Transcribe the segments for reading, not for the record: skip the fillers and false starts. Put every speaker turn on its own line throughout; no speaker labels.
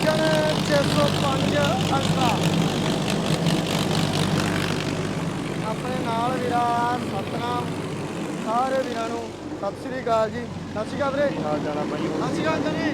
Engine 605 ultra. ਆਪਣੇ ਨਾਲ ਵੀਰਾ ਸਤਨਾਮ, ਸਾਰੇ ਵੀਰਾਂ ਨੂੰ ਸਤਿ ਸ੍ਰੀ ਅਕਾਲ ਜੀ। ਸਤਿ ਸ੍ਰੀ ਅਕਾਲ ਵੀਰੇ।
ਕੀ ਹਾਲ ਚਾਲ ਆ ਬਾਈ?
ਸਤਿ ਸ੍ਰੀ ਅਕਾਲ ਜੀ।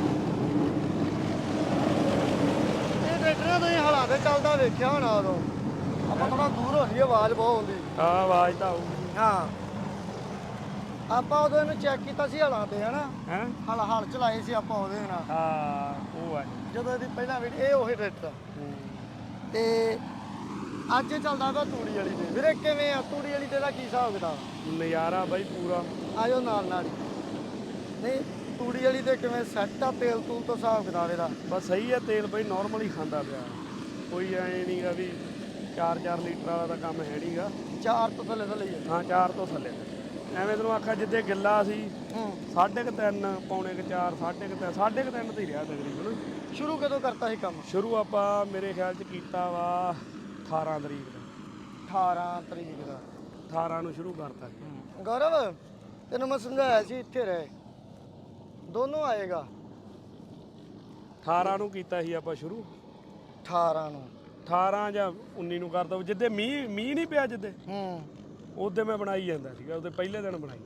ਇਹ ਟਰੈਕਟਰ ਤੁਸੀਂ ਹਾਲਾਂ ਤੇ ਚੱਲਦਾ ਵੇਖਿਆ ਹੋਣਾ ਉਦੋਂ। ਆਪਾਂ ਥੋੜਾ ਦੂਰ ਹੋ ਲਈਏ, ਆਵਾਜ਼ ਬਹੁਤ ਆਉਂਦੀ।
ਹਾਂ ਆਵਾਜ਼ ਤਾਂ ਆਊਗੀ।
ਹਾਂ, ਆਪਾਂ ਉਦੋਂ ਇਹਨੂੰ ਚੈੱਕ ਕੀਤਾ ਸੀ ਹਾਲਾਂ ਤੇ, ਹਨਾ।
ਹੈਂ?
ਹਲ ਚਲਾਏ ਸੀ ਆਪਾਂ ਉਹਦੇ ਨਾਲ,
ਹਾਂ ਉਹ ਆ।
ਜਦੋਂ ਇਹਦੀ ਪਹਿਲਾਂ ਵੀਡੀਓ, ਇਹ ਉਹੀ ਟਰੈਕਟਰ ਤੇ ਅੱਜ ਇਹ ਚੱਲਦਾ ਪਿਆ ਤੂੜੀ ਵਾਲੀ ਤੇ। ਵੀਰੇ ਕਿਵੇਂ ਆ ਤੂੜੀ ਵਾਲੀ ਤੇ ਦਾ ਕੀ ਹਿਸਾਬ ਕਿਤਾਬ?
ਨਜ਼ਾਰਾ ਬਾਈ ਪੂਰਾ।
ਆਜੋ ਨਾਲ ਨਾਲ ਹੀ। ਨਹੀਂ ਤੂੜੀ ਵਾਲੀ ਤੇ ਕਿਵੇਂ ਸੈੱਟ ਆ, ਤੇਲ ਤੂਲ ਤੋਂ ਹਿਸਾਬ ਕਿਤਾਬ ਇਹਦਾ?
ਬਸ ਸਹੀ ਆ, ਤੇਲ ਬਾਈ ਨਾਰਮਲ ਹੀ ਖਾਂਦਾ ਪਿਆ, ਕੋਈ ਐ ਨਹੀਂਗਾ ਵੀ 4-4 ਲੀਟਰ ਵਾਲਾ ਤਾਂ ਕੰਮ ਹੈ ਨਹੀਂਗਾ।
4 ਤੋਂ ਥੱਲੇ ਥੱਲੇ ਹੀ ਹੈ।
ਹਾਂ 4 ਤੋਂ ਥੱਲੇ। ਐਵੇਂ ਤੈਨੂੰ ਆਖਿਆ ਜਿੱਦੇ ਗਿੱਲਾ ਸੀ 3.5 ਪੌਣੇ 4, 3.5 ਤੇ ਹੀ ਰਿਹਾ ਤਕਰੀਬਨ।
ਸ਼ੁਰੂ ਕਦੋਂ ਕਰਤਾ ਸੀ ਕੰਮ?
ਸ਼ੁਰੂ ਆਪਾਂ ਮੇਰੇ ਖਿਆਲ 'ਚ ਕੀਤਾ ਵਾ 18 ਤਰੀਕ ਦਾ।
18 ਤਰੀਕ ਦਾ
18 ਨੂੰ ਸ਼ੁਰੂ ਕਰਤਾ ਸੀ।
ਗੌਰਵ ਤੈਨੂੰ ਮੈਂ ਸਮਝਾਇਆ ਸੀ ਇੱਥੇ ਰਹਿ, ਦੋਨੋਂ ਆਏਗਾ।
18 ਨੂੰ ਕੀਤਾ ਸੀ ਆਪਾਂ ਸ਼ੁਰੂ।
18 ਨੂੰ
18 ਜਾਂ 19 ਨੂੰ ਕਰਦਾ ਜਿੱਦੇ ਮੀਂਹ ਨਹੀਂ ਪਿਆ, ਜਿੱਦੇ ਉਹਦੇ ਮੈਂ ਬਣਾਈ ਜਾਂਦਾ ਸੀਗਾ, ਉਹਦੇ ਪਹਿਲੇ ਦਿਨ ਬਣਾਈ।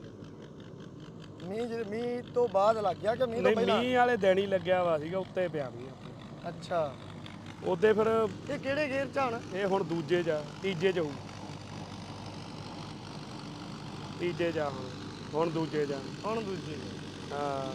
ਮੀਂਹ ਤੋਂ ਬਾਅਦ ਲੱਗ ਗਿਆ ਕਿ ਮੀਂਹ ਤੋਂ ਪਹਿਲਾਂ?
ਮੀਂਹ ਵਾਲੇ ਦਿਨ ਹੀ ਲੱਗਿਆ ਵਾ ਸੀਗਾ, ਉੱਤੇ ਪਿਆ ਮੀਂਹ।
ਅੱਛਾ,
ਉਹਦੇ ਫਿਰ
ਇਹ ਕਿਹੜੇ ਗੇਅਰ ਚ ਹਣ?
ਇਹ ਹੁਣ ਦੂਜੇ ਚ, ਤੀਜੇ ਚ ਹੋਊ। ਤੀਜੇ ਚ ਹੁਣ ਦੂਜੇ ਚ।
ਹੁਣ ਦੂਜੇ
ਹਾਂ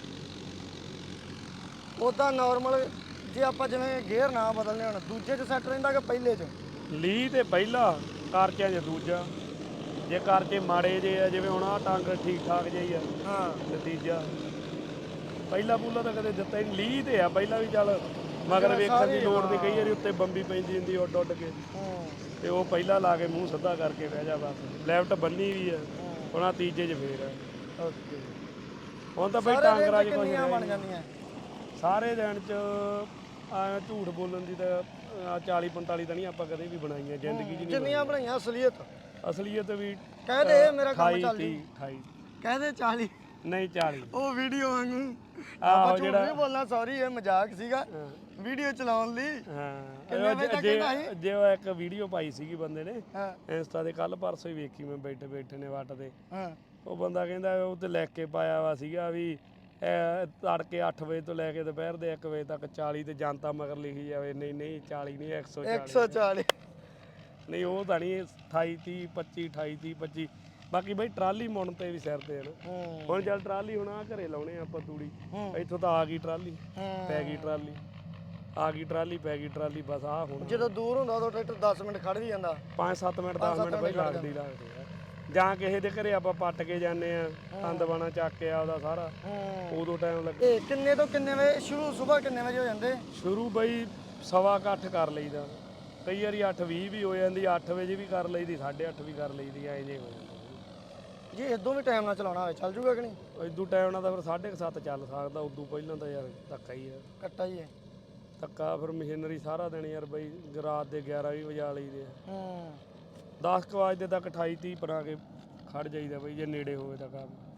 ਉਹਦਾ ਨਾਰਮਲ ਜੇ ਆਪਾਂ ਜਿਵੇਂ ਗੇਅਰ ਨਾ ਬਦਲਨੇ ਹੁਣ, ਦੂਜੇ ਚ ਸੈੱਟ ਰਹਿੰਦਾ ਕਿ ਪਹਿਲੇ ਚ?
ਲੀ ਤੇ ਪਹਿਲਾ, ਕਰਚਿਆਂ ਚ ਦੂਜਾ। ਜੇ ਕਰਚੇ ਮਾੜੇ ਜੇ ਆ, ਜਿਵੇਂ ਹੁਣ ਆਹ ਟੰਗ ਠੀਕ ਠਾਕ ਜਿਹੀ ਆ,
ਹਾਂ,
ਤੇ ਤੀਜਾ। ਪਹਿਲਾ ਪੂਲਾ ਤਾਂ ਕਦੇ ਦਿੱਤਾ ਹੀ ਨਹੀਂ। ਲੀ ਤੇ ਆ ਪਹਿਲਾਂ ਵੀ, ਚੱਲ ਮਗਰ ਵੇਖਣ ਦੀ ਲੋੜ ਨਹੀਂ, ਕਈ ਵਾਰੀ ਉੱਤੇ ਬੰਬੀ ਪੈਂਦੀ ਹੁੰਦੀ ਉੱਡ ਉੱਡ ਕੇ, ਤੇ ਉਹ ਪਹਿਲਾਂ ਲਾ ਕੇ ਮੂੰਹ ਸਿੱਧਾ ਕਰਕੇ ਬਹਿ ਜਾ ਬਸ। ਲੈਫਟ ਬੰਨੀ ਵੀ ਆ, ਹੁਣ ਆਹ ਤੀਜੇ ਚ ਫੇਰ ਆ।
ਓਕੇ।
ਹੁਣ ਤਾਂ ਬਈ ਟਾਂਗਰਾਂ 'ਚ ਕੁਛ
ਕਿੰਨੀਆਂ ਬਣ
ਨਹੀਂ
ਜਾਂਦੀਆਂ
ਸਾਰੇ ਦਿਨ 'ਚ। ਆ ਝੂਠ ਬੋਲਣ ਦੀ ਤਾਂ 40-45 ਤਾਂ ਨਹੀਂ ਆਪਾਂ ਕਦੇ ਵੀ ਬਣਾਈਆਂ ਜ਼ਿੰਦਗੀ 'ਚ ਨਹੀਂ।
ਜਿੰਨੀਆਂ ਬਣਾਈਆਂ ਅਸਲੀਅਤ
ਅਸਲੀਅਤ ਵੀ
ਕਹਦੇ ਮੇਰਾ ਕੰਮ
28
ਚੱਲ ਜੂ।
28
ਕਹਦੇ 40
ਨਹੀਂ 40।
ਉਹ ਵੀਡੀਓ ਵਾਂਗੂ
ਆਹੋ
ਝੂਠ ਨਹੀਂ ਬੋਲਣਾ, ਸੌਰੀ ਇਹ ਮਜ਼ਾਕ ਸੀਗਾ ਵੀਡੀਓ ਚਲਾਉਣ ਲਈ। ਕਿੰਨੇ ਵਜੇ ਤੱਕ ਕਹਿੰਦਾ ਸੀ?
ਜੇ ਉਹ ਇੱਕ ਵੀਡੀਓ ਪਾਈ ਸੀਗੀ ਬੰਦੇ ਨੇ
ਹਾਂ
ਇੰਸਟਾ ਤੇ, ਕੱਲ ਪਰਸੋਂ ਹੀ ਵੇਖੀ ਮੈਂ, ਬੈਠੇ ਬੈਠੇ ਨੇ ਵੱਟ ਤੇ।
ਹਾਂ,
ਉਹ ਬੰਦਾ ਕਹਿੰਦਾ ਉਹ ਤੇ ਲਿਖ ਕੇ ਪਾਇਆ ਵਾ ਸੀਗਾ ਵੀ ਤੜਕੇ 8 ਵਜੇ ਤੋਂ ਲੈ ਕੇ ਦੁਪਹਿਰ ਦੇ 1 ਵਜੇ ਤੱਕ 40 ਤੇ ਜਨਤਾ ਮਗਰ ਲਿਖੀ ਜਾਵੇ। ਨਹੀਂ ਨਹੀਂ 40 ਨਹੀਂ
140
ਨਹੀਂ, ਉਹ ਤਾਂ ਨਹੀਂ 28 30 25 28 30 25। ਬਾਕੀ ਬਈ ਟਰਾਲੀ ਮੁੜਨ ਤੇ ਵੀ ਸਿਰ ਤੇ ਹਨ। ਹੁਣ ਚੱਲ ਟਰਾਲੀ ਹੁਣ ਆ ਘਰੇ ਲਾਉਣੇ ਆਪਾਂ ਤੂੜੀ, ਇੱਥੋਂ ਤਾਂ ਆ ਗਈ ਟਰਾਲੀ, ਪੈ ਗਈ ਟਰਾਲੀ, ਆ ਗਈ ਟਰਾਲੀ, ਪੈ ਗਈ ਟਰਾਲੀ, ਬਸ ਆ ਹੁਣ।
ਜਦੋਂ ਦੂਰ ਹੁੰਦਾ ਉਦੋਂ ਟਰੈਕਟਰ 10 ਮਿੰਟ ਖੜ ਵੀ ਜਾਂਦਾ।
5-7 ਮਿੰਟ 10 ਮਿੰਟ ਬਈ ਲੱਗਦੀ ਆ। ਜਾਂ ਕਿਸੇ ਦੇ ਘਰੇ ਆਪਾਂ ਪੱਟ ਕੇ ਜਾਂਦੇ ਆ, ਤੰਦ ਬਾਣਾ ਚੱਕ ਕੇ ਆਪਦਾ ਸਾਰਾ, ਉਦੋਂ ਟਾਈਮ ਲੱਗੇ।
ਇਹ ਕਿੰਨੇ ਤੋਂ ਕਿੰਨੇ ਵਜੇ ਸ਼ੁਰੂ? ਸਵੇਰ ਕਿੰਨੇ ਵਜੇ ਹੋ ਜਾਂਦੇ ਸ਼ੁਰੂ?
ਬਈ 8:15 ਕਰ ਲਈਦਾ, ਕਈ ਵਾਰੀ 8:20 ਵੀ ਹੋ ਜਾਂਦੀ, 8 ਵਜੇ ਵੀ ਕਰ ਲਈਦੀ, 8:30 ਵੀ ਕਰ ਲਈਦੀ, ਐਂ ਜੇ ਹੋ ਜਾਂਦਾ।
ਜੇ ਇਦੋਂ ਵੀ ਟਾਈਮ ਨਾਲ ਚਲਾਉਣਾ ਹੋਵੇ ਚੱਲ ਜੂਗਾ ਕਿ ਨਹੀਂ?
ਇਦੋਂ ਟਾਈਮ ਨਾਲ ਤਾਂ ਫਿਰ 7:30 ਚੱਲ ਸਕਦਾ, ਉਦੋਂ ਪਹਿਲਾਂ ਤਾਂ ਯਾਰ ਧੱਕਾ ਹੀ ਆ।
ਕੱਟਾ ਹੀ ਹੈ
ਧੱਕਾ। ਫਿਰ ਮਸ਼ੀਨਰੀ ਸਾਰਾ ਦਿਨ ਯਾਰ ਬਈ ਰਾਤ ਦੇ 11 ਵੀ ਵਜਾ ਲਈਦੇ ਆ। 10 ਵਜੇ ਤੱਕ 28-30 ਬਣਾ ਕੇ ਖੜ ਜਾਈਦਾ ਬਈ, ਜੇ ਨੇੜੇ ਹੋਵੇ ਤਾਂ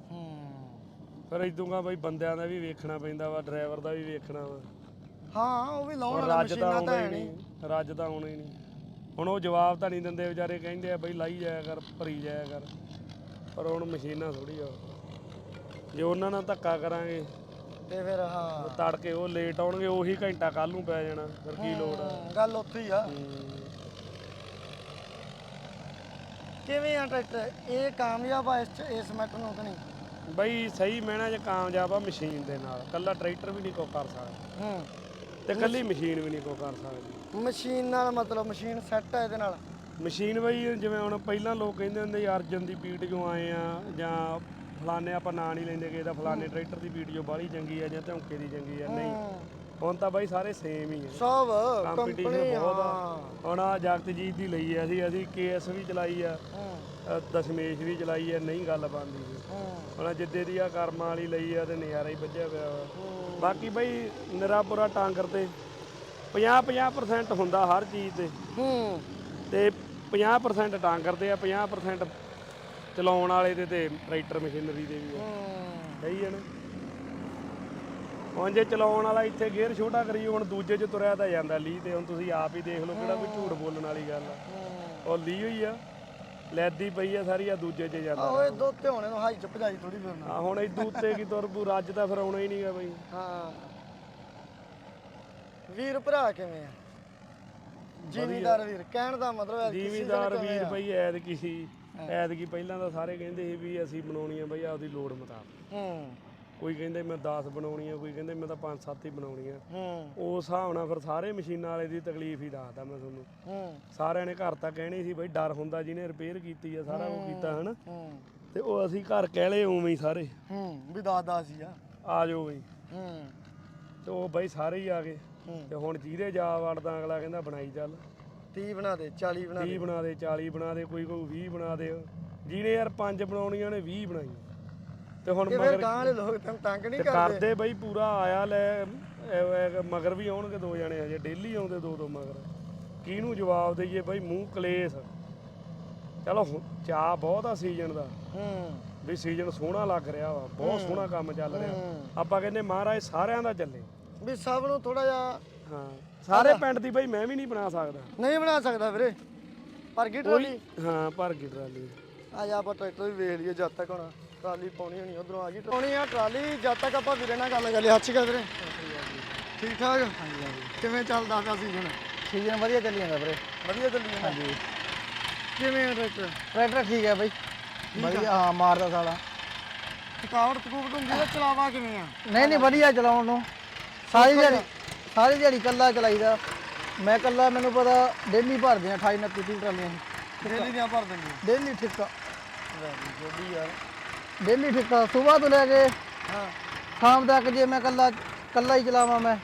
ਕੰਮ। ਫਿਰ ਇਦੋਂ ਬਈ ਬੰਦਿਆਂ ਦਾ ਵੀ ਵੇਖਣਾ ਪੈਂਦਾ ਵਾ, ਡਰਾਈਵਰ ਦਾ ਵੀ ਵੇਖਣਾ ਵਾ।
ਹਾਂ ਉਹ ਵੀ ਲਾਉਣ ਵਾਲਾ ਮਸ਼ੀਨਾਂ ਤਾਂ ਹੈ ਨਹੀਂ।
ਰੱਜ ਤਾਂ ਆਉਣਾ ਹੀ ਨਹੀਂ। ਹੁਣ ਉਹ ਜਵਾਬ ਤਾਂ ਨਹੀਂ ਦਿੰਦੇ ਵਿਚਾਰੇ, ਕਹਿੰਦੇ ਆ ਬਈ ਲਾਈ ਜਾਇਆ ਕਰ, ਭਰੀ ਜਾਇਆ ਕਰ, ਪਰ ਹੁਣ ਮਸ਼ੀਨਾਂ ਥੋੜੀ ਆ, ਜੇ ਉਹਨਾਂ ਨਾਲ ਧੱਕਾ ਕਰਾਂਗੇ
ਤੇ ਫਿਰ ਹਾਂ
ਤੜਕੇ ਉਹ ਲੇਟ ਆਉਣਗੇ, ਉਹੀ ਘੰਟਾ ਕੱਲ ਨੂੰ ਪੈ ਜਾਣਾ, ਫਿਰ ਕੀ ਲੋੜ ਆ?
ਗੱਲ ਉੱਥੇ ਹੀ ਆ। ਕਿਵੇਂ ਆ ਟਰੈਕਟਰ ਇਹ ਕਾਮਯਾਬ ਆ ਇਸ ਮੈਟਰ ਨੂੰ ਕਿ ਨਹੀਂ?
ਬਈ ਸਹੀ ਮੈਨਾਂ ਚ ਕਾਮਯਾਬ ਆ ਮਸ਼ੀਨ ਦੇ ਨਾਲ, ਕੱਲਾ ਟਰੈਕਟਰ ਵੀ ਨਹੀਂ ਕੋ ਕਰ ਸਕਦਾ, ਤੇ ਕੱਲੀ ਮਸ਼ੀਨ ਵੀ ਨਹੀਂ ਕੋ ਕਰ ਸਕਦੀ।
ਮਸ਼ੀਨ ਨਾਲ ਮਤਲਬ ਮਸ਼ੀਨ ਸੈੱਟ ਆ ਇਹਦੇ ਨਾਲ?
ਮਸ਼ੀਨ ਬਈ ਜਿਵੇਂ ਹੁਣ ਪਹਿਲਾਂ ਲੋਕ ਕਹਿੰਦੇ ਹੁੰਦੇ ਅਰਜਨ ਦੀ ਪੀਟ ਜੋ ਆਏ ਆ, ਜਾਂ ਫਲਾਨੇ, ਆਪਾਂ ਨਾਂ ਨਹੀਂ ਲੈਂਦੇ ਕਿ ਇਹਦਾ ਫਲਾਨੇ ਟਰੈਕਟਰ ਦੀ ਪੀਟ ਜੋ ਬਾਹਲੀ ਚੰਗੀ ਆ ਜਾਂ ਧੌਂਕੇ ਦੀ ਚੰਗੀ ਆ, ਨਹੀਂ। ਹੁਣ ਤਾਂ ਬਾਈ ਸਾਰੇ ਸੇਮ ਹੀ ਆ,
ਸਭ
ਕੰਪੀਟੀਸ਼ਨ ਬਹੁਤ ਆ। ਹੁਣ ਆ ਜਗਤਜੀਤ ਦੀ ਲਈ ਆ, ਅਸੀਂ KS ਵੀ ਚਲਾਈ ਆ, ਦਸ਼ਮੇਸ਼ ਵੀ ਚਲਾਈ ਆ, ਨਹੀਂ ਗੱਲ ਬਣਦੀ ਸੀ। ਹੁਣ ਜਿੱਦੇ ਦੀ ਆ ਕਰਮਾਂ ਵਾਲੀ ਲਈ ਆ ਤੇ ਨਜ਼ਾਰਾ ਹੀ ਵੱਜਿਆ ਪਿਆ ਵਾ। ਬਾਕੀ ਬਈ ਨਿਰਾਪੁਰਾ ਟਾਂਗਰ ਤੇ 50-50% ਹੁੰਦਾ ਹਰ ਚੀਜ਼ ਤੇ 50% ਟਾਂਗਰ ਤੇ ਆ, 50% ਚਲਾਉਣ ਵਾਲੇ ਤੇ ਟਰੈਕਟਰ ਮਸ਼ੀਨਰੀ ਦੇ ਵੀ ਆ। ਸਹੀ ਹੈ ਨਾ? ਹੁਣ ਜੇ ਚਲਾਉਣ ਵਾਲਾ ਇੱਥੇ ਗੇਅਰ ਛੋਟਾ ਕਰੀਏ ਹੁਣ ਦੂਜੇ 'ਚ ਤੁਰਿਆ ਤਾਂ ਜਾਂਦਾ ਲੀ ਤੇ ਹੁਣ ਤੁਸੀਂ ਆਪ ਹੀ ਦੇਖ ਲਓ ਕਿਹੜਾ ਕੋਈ ਝੂਠ ਬੋਲਣ ਵਾਲੀ ਗੱਲ ਆ ਉਹ ਲੀ ਹੋਈ ਆ ਲੈਦੀ ਪਈ ਆ ਸਾਰੀ ਆ ਦੂਜੇ 'ਚ ਜਾਂਦਾ
ਓਏ ਦੋ ਤੇ ਹੋਣੇ ਨੂੰ ਹਾਈ ਚ ਭਜਾਈ ਥੋੜੀ ਫਿਰਨਾ
ਆ ਹੁਣ ਇਦੂ ਉੱਤੇ ਕੀ ਤੁਰ ਪੂ ਰੱਜ ਤਾਂ ਫਿਰ ਆਉਣਾ ਹੀ ਨਹੀਂਗਾ ਬਈ
ਹਾਂ ਵੀਰ ਭਰਾ ਕਿਵੇਂ ਆ ਜ਼ਿਮੀਦਾਰ ਵੀਰ ਕਹਿਣ ਦਾ ਮਤਲਬ ਹੈ
ਜ਼ਿਮੀਦਾਰ ਵੀਰ ਬਈ ਐਤਕੀ ਪਹਿਲਾਂ ਤਾਂ ਸਾਰੇ ਕਹਿੰਦੇ ਸੀ ਵੀ ਅਸੀਂ ਬਣਾਉਣੀ ਆ ਬਈ ਆਪਦੀ ਲੋੜ ਮੁਤਾਬਕ ਕੋਈ ਕਹਿੰਦੇ ਮੈਂ 10 ਬਣਾਉਣੀ ਆ ਕੋਈ ਕਹਿੰਦੇ ਮੈਂ ਤਾਂ 5-7 ਹੀ ਬਣਾਉਣੀ ਆ ਉਸ ਹਿਸਾਬ ਨਾਲ ਫਿਰ ਸਾਰੇ ਮਸ਼ੀਨਾਂ ਵਾਲੇ ਦੀ ਤਕਲੀਫ ਹੀ ਦੱਸਦਾ ਮੈਂ ਤੁਹਾਨੂੰ ਸਾਰਿਆਂ ਨੇ ਘਰ ਤਾਂ ਕਹਿਣੀ ਸੀ ਬਈ ਡਰ ਹੁੰਦਾ ਜਿਹਨੇ ਰਿਪੇਅਰ ਕੀਤੀ ਆ ਸਾਰਾ ਕੁਝ ਕੀਤਾ ਹਨਾ ਤੇ ਉਹ ਅਸੀਂ ਘਰ ਕਹਿ ਲਏ ਉਵੇਂ ਹੀ ਸਾਰੇ
ਵੀ 10 ਸੀ
ਆ ਜਾਓ ਬਈ ਤੇ ਉਹ ਬਈ ਸਾਰੇ ਹੀ ਆ ਗਏ ਤੇ ਹੁਣ ਜਿਹਦੇ ਜਾ ਵੜਦਾ ਅਗਲਾ ਕਹਿੰਦਾ ਬਣਾਈ ਚੱਲ
30 ਬਣਾ ਦੇ 40 ਬਣਾ
30 ਬਣਾ ਦੇ 40 ਬਣਾ ਦੇ ਕੋਈ 20 ਬਣਾ ਦੇ ਜਿਹਨੇ ਯਾਰ 5 ਬਣਾਉਣੀਆਂ ਨੇ 20 ਬਣਾਈਆਂ ਤੇ ਹੁਣ
ਮਗਰ ਗਾਂ ਵਾਲੇ ਲੋਕ ਤੰਗ ਨਹੀਂ
ਕਰਦੇ ਬਈ ਪੂਰਾ ਆਇਆ ਲੈ ਮਗਰ ਵੀ ਆਉਣਗੇ 2 ਜਣੇ ਹਜੇ ਡੇਲੀ ਆਉਂਦੇ 2 ਮਗਰ ਕਿਹਨੂੰ ਜਵਾਬ ਦਈਏ ਬਈ ਮੂੰਹ ਕਲੇਸ਼ ਚਲੋ ਚਾਹ ਬਹੁਤ ਆ ਸੀਜ਼ਨ ਦਾ ਵੀ ਸੀਜ਼ਨ ਸੋਹਣਾ ਲੱਗ ਰਿਹਾ ਵਾ ਬਹੁਤ ਸੋਹਣਾ ਕੰਮ ਚੱਲ ਰਿਹਾ ਆਪਾਂ ਕਹਿੰਦੇ ਮਹਾਰਾਜ ਸਾਰਿਆਂ ਦਾ ਚੱਲੇ
ਵੀ ਸਭ ਨੂੰ ਥੋੜਾ ਜਿਹਾ
ਹਾਂ ਸਾਰੇ ਪਿੰਡ ਦੀ ਬਈ ਮੈਂ ਵੀ ਨਹੀਂ ਬਣਾ ਸਕਦਾ
ਨਹੀਂ ਬਣਾ ਸਕਦਾ ਵੀਰੇ ਪਰ ਗੀ ਟਰਾਲੀ
ਹਾਂ ਭਰ ਗਈ ਟਰਾਲੀ
ਆ ਜਾ ਆਪਾਂ ਟਰੈਕਟਰ ਵੀ ਵੇਖ ਲਈਏ ਜਦ ਤੱਕ ਹੁਣ ਟਰਾਲੀ ਪਾਉਣੀ ਹੋਣੀ ਉਧਰੋਂ ਆ ਗਈ ਪਾਉਣੀ ਆ ਟਰਾਲੀ ਜਦ ਤੱਕ ਆਪਾਂ ਵੀਰੇ ਨਾਲ ਗੱਲ ਕਰ ਲਈ ਹੱਥ ਵੀਰੇ ਠੀਕ ਠਾਕ ਹਾਂਜੀ ਕਿਵੇਂ ਚੱਲਦਾ ਪਿਆ ਸੀਜ਼ਨ
ਵਧੀਆ ਚੱਲੀ ਜਾਂਦਾ ਵੀਰੇ
ਵਧੀਆ ਚੱਲੀ ਜਾਂਦਾ
ਹਾਂਜੀ
ਕਿਵੇਂ ਆ
ਟਰੈਕਟਰ ਠੀਕ ਹੈ ਬਾਈ ਵਧੀਆ ਹਾਂ ਮਾਰਦਾ ਸਾਲਾ
ਥਕਾਵਟ ਥਕੂਵਟ ਹੁੰਦੀ ਆ ਚਲਾਵਾ ਕਿਵੇਂ ਆ
ਨਹੀਂ ਵਧੀਆ ਚਲਾਉਣ ਨੂੰ ਸਾਰੀ ਦਿਹਾੜੀ ਕੱਲਾ ਚਲਾਈਦਾ ਮੈਂ ਕੱਲਾ ਮੈਨੂੰ ਪਤਾ ਡੇਲੀ ਭਰਦੇ ਆ 28 29 ਟਰਾਲੀਆਂ
ਡੇਲੀ ਦੀਆਂ ਭਰ ਦਿੰਦੀ
ਡੇਲੀ ਠੇਕਾ
ਜੋੜੀ ਯਾਰ
ਡੇਲੀ ਠੇਕਾ ਸਵੇਰ ਤੋਂ ਲੈ ਕੇ
ਹਾਂ
ਸ਼ਾਮ ਤੱਕ ਜੇ ਮੈਂ ਕੱਲਾ ਹੀ ਚਲਾਵਾਂ ਮੈਂ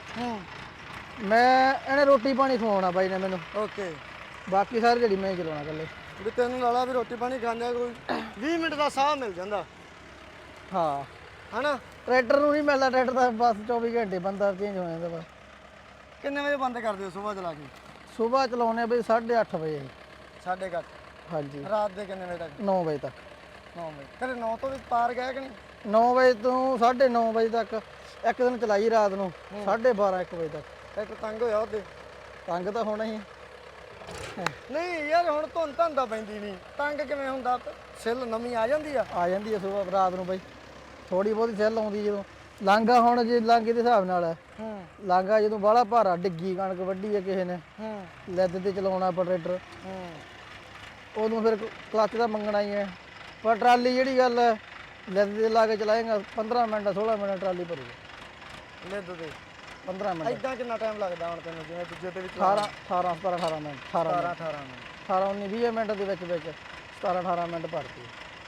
ਇਹਨੇ ਰੋਟੀ ਪਾਣੀ ਖਵਾਉਣਾ ਬਾਈ ਨੇ ਮੈਨੂੰ
ਓਕੇ
ਬਾਕੀ ਸਾਰੀ ਦਿਹਾੜੀ ਮੈਂ ਹੀ ਚਲਾਉਣਾ ਕੱਲੇ
ਵੀ ਤੈਨੂੰ ਲਾਲਾ ਵੀ ਰੋਟੀ ਪਾਣੀ ਖਾਂਦਾ ਕੋਈ 20 ਮਿੰਟ ਦਾ ਸਾਹ ਮਿਲ ਜਾਂਦਾ
ਹਾਂ
ਹਨਾ
ਟਰੈਕਟਰ ਨੂੰ ਨਹੀਂ ਮਿਲਦਾ ਟਰੈਕਟਰ ਦਾ ਬਸ 24 ਘੰਟੇ ਬੰਦਾ ਚੇਂਜ ਹੋ ਜਾਂਦਾ ਬਸ
ਕਿੰਨੇ ਵਜੇ ਬੰਦ ਕਰਦੇ ਹੋ ਸਵੇਰ ਚਲਾ ਕੇ
ਸਵੇਰ ਚਲਾਉਣੇ ਬਈ 8:30 ਵਜੇ
8:30
ਹਾਂਜੀ
ਰਾਤ ਦੇ ਕਿੰਨੇ ਵਜੇ ਤੱਕ
9 ਵਜੇ ਤੱਕ
9 ਵਜੇ ਤੇਰੇ 9 ਤੋਂ ਵੀ ਪਾਰ ਗਿਆ ਕਿ ਨਹੀਂ
9 ਵਜੇ ਤੋਂ 9:30 ਵਜੇ ਤੱਕ ਇੱਕ ਦਿਨ ਚਲਾਈ ਰਾਤ ਨੂੰ 12:30 1 ਵਜੇ ਤੱਕ
ਟਰੈਕਟਰ ਤੰਗ ਹੋਇਆ ਉਹਦੇ
ਤੰਗ ਤਾਂ ਹੋਣਾ ਹੀ
ਨਹੀਂ ਯਾਰ ਹੁਣ ਧੁੰਦ ਤਾਂ ਪੈਂਦੀ ਨਹੀਂ ਤੰਗ ਕਿਵੇਂ ਹੁੰਦਾ ਸਿੱਲ ਨਵੀਂ ਆ ਜਾਂਦੀ ਆ
ਜਾਂਦੀ ਹੈ ਸਵੇਰ ਰਾਤ ਨੂੰ ਬਈ ਥੋੜੀ ਬਹੁਤੀ ਸੈੱਲ ਆਉਂਦੀ ਜਦੋਂ ਲਾਂਗਾ ਹੁਣ ਜੇ ਲਾਂਗੇ ਦੇ ਹਿਸਾਬ ਨਾਲ ਹੈ ਲਾਂਗਾ ਜਦੋਂ ਬਾਹਲਾ ਭਾਰਾ ਡਿੱਗੀ ਕਣਕ ਵੱਢੀ ਹੈ ਕਿਸੇ ਨੇ ਲੈਦ ਤੇ ਚਲਾਉਣਾ ਆਪਾਂ ਟਰੈਕਟਰ ਉਦੋਂ ਫਿਰ ਕਲੱਚ ਦਾ ਮੰਗਣਾ ਹੀ ਹੈ ਪਰ ਟਰਾਲੀ ਜਿਹੜੀ ਗੱਲ ਹੈ ਲੈਦ ਤੇ ਲਾ ਕੇ ਚਲਾਏਗਾ 15 ਮਿੰਟ 16 ਮਿੰਟ ਟਰਾਲੀ ਭਰੂਗਾ
ਲਿੱਦ ਤੇ
15 ਮਿੰਟ
ਐਦਾਂ ਕਿੰਨਾ ਟਾਈਮ ਲੱਗਦਾ ਹੁਣ ਤੈਨੂੰ ਜਿਵੇਂ ਦੂਜੇ ਤੇ ਵੀ
18 17 18 ਮਿੰਟ
18 ਮਿੰਟ
18 19 20 ਮਿੰਟ ਦੇ ਵਿੱਚ 17 18 ਮਿੰਟ ਭਰਤੀ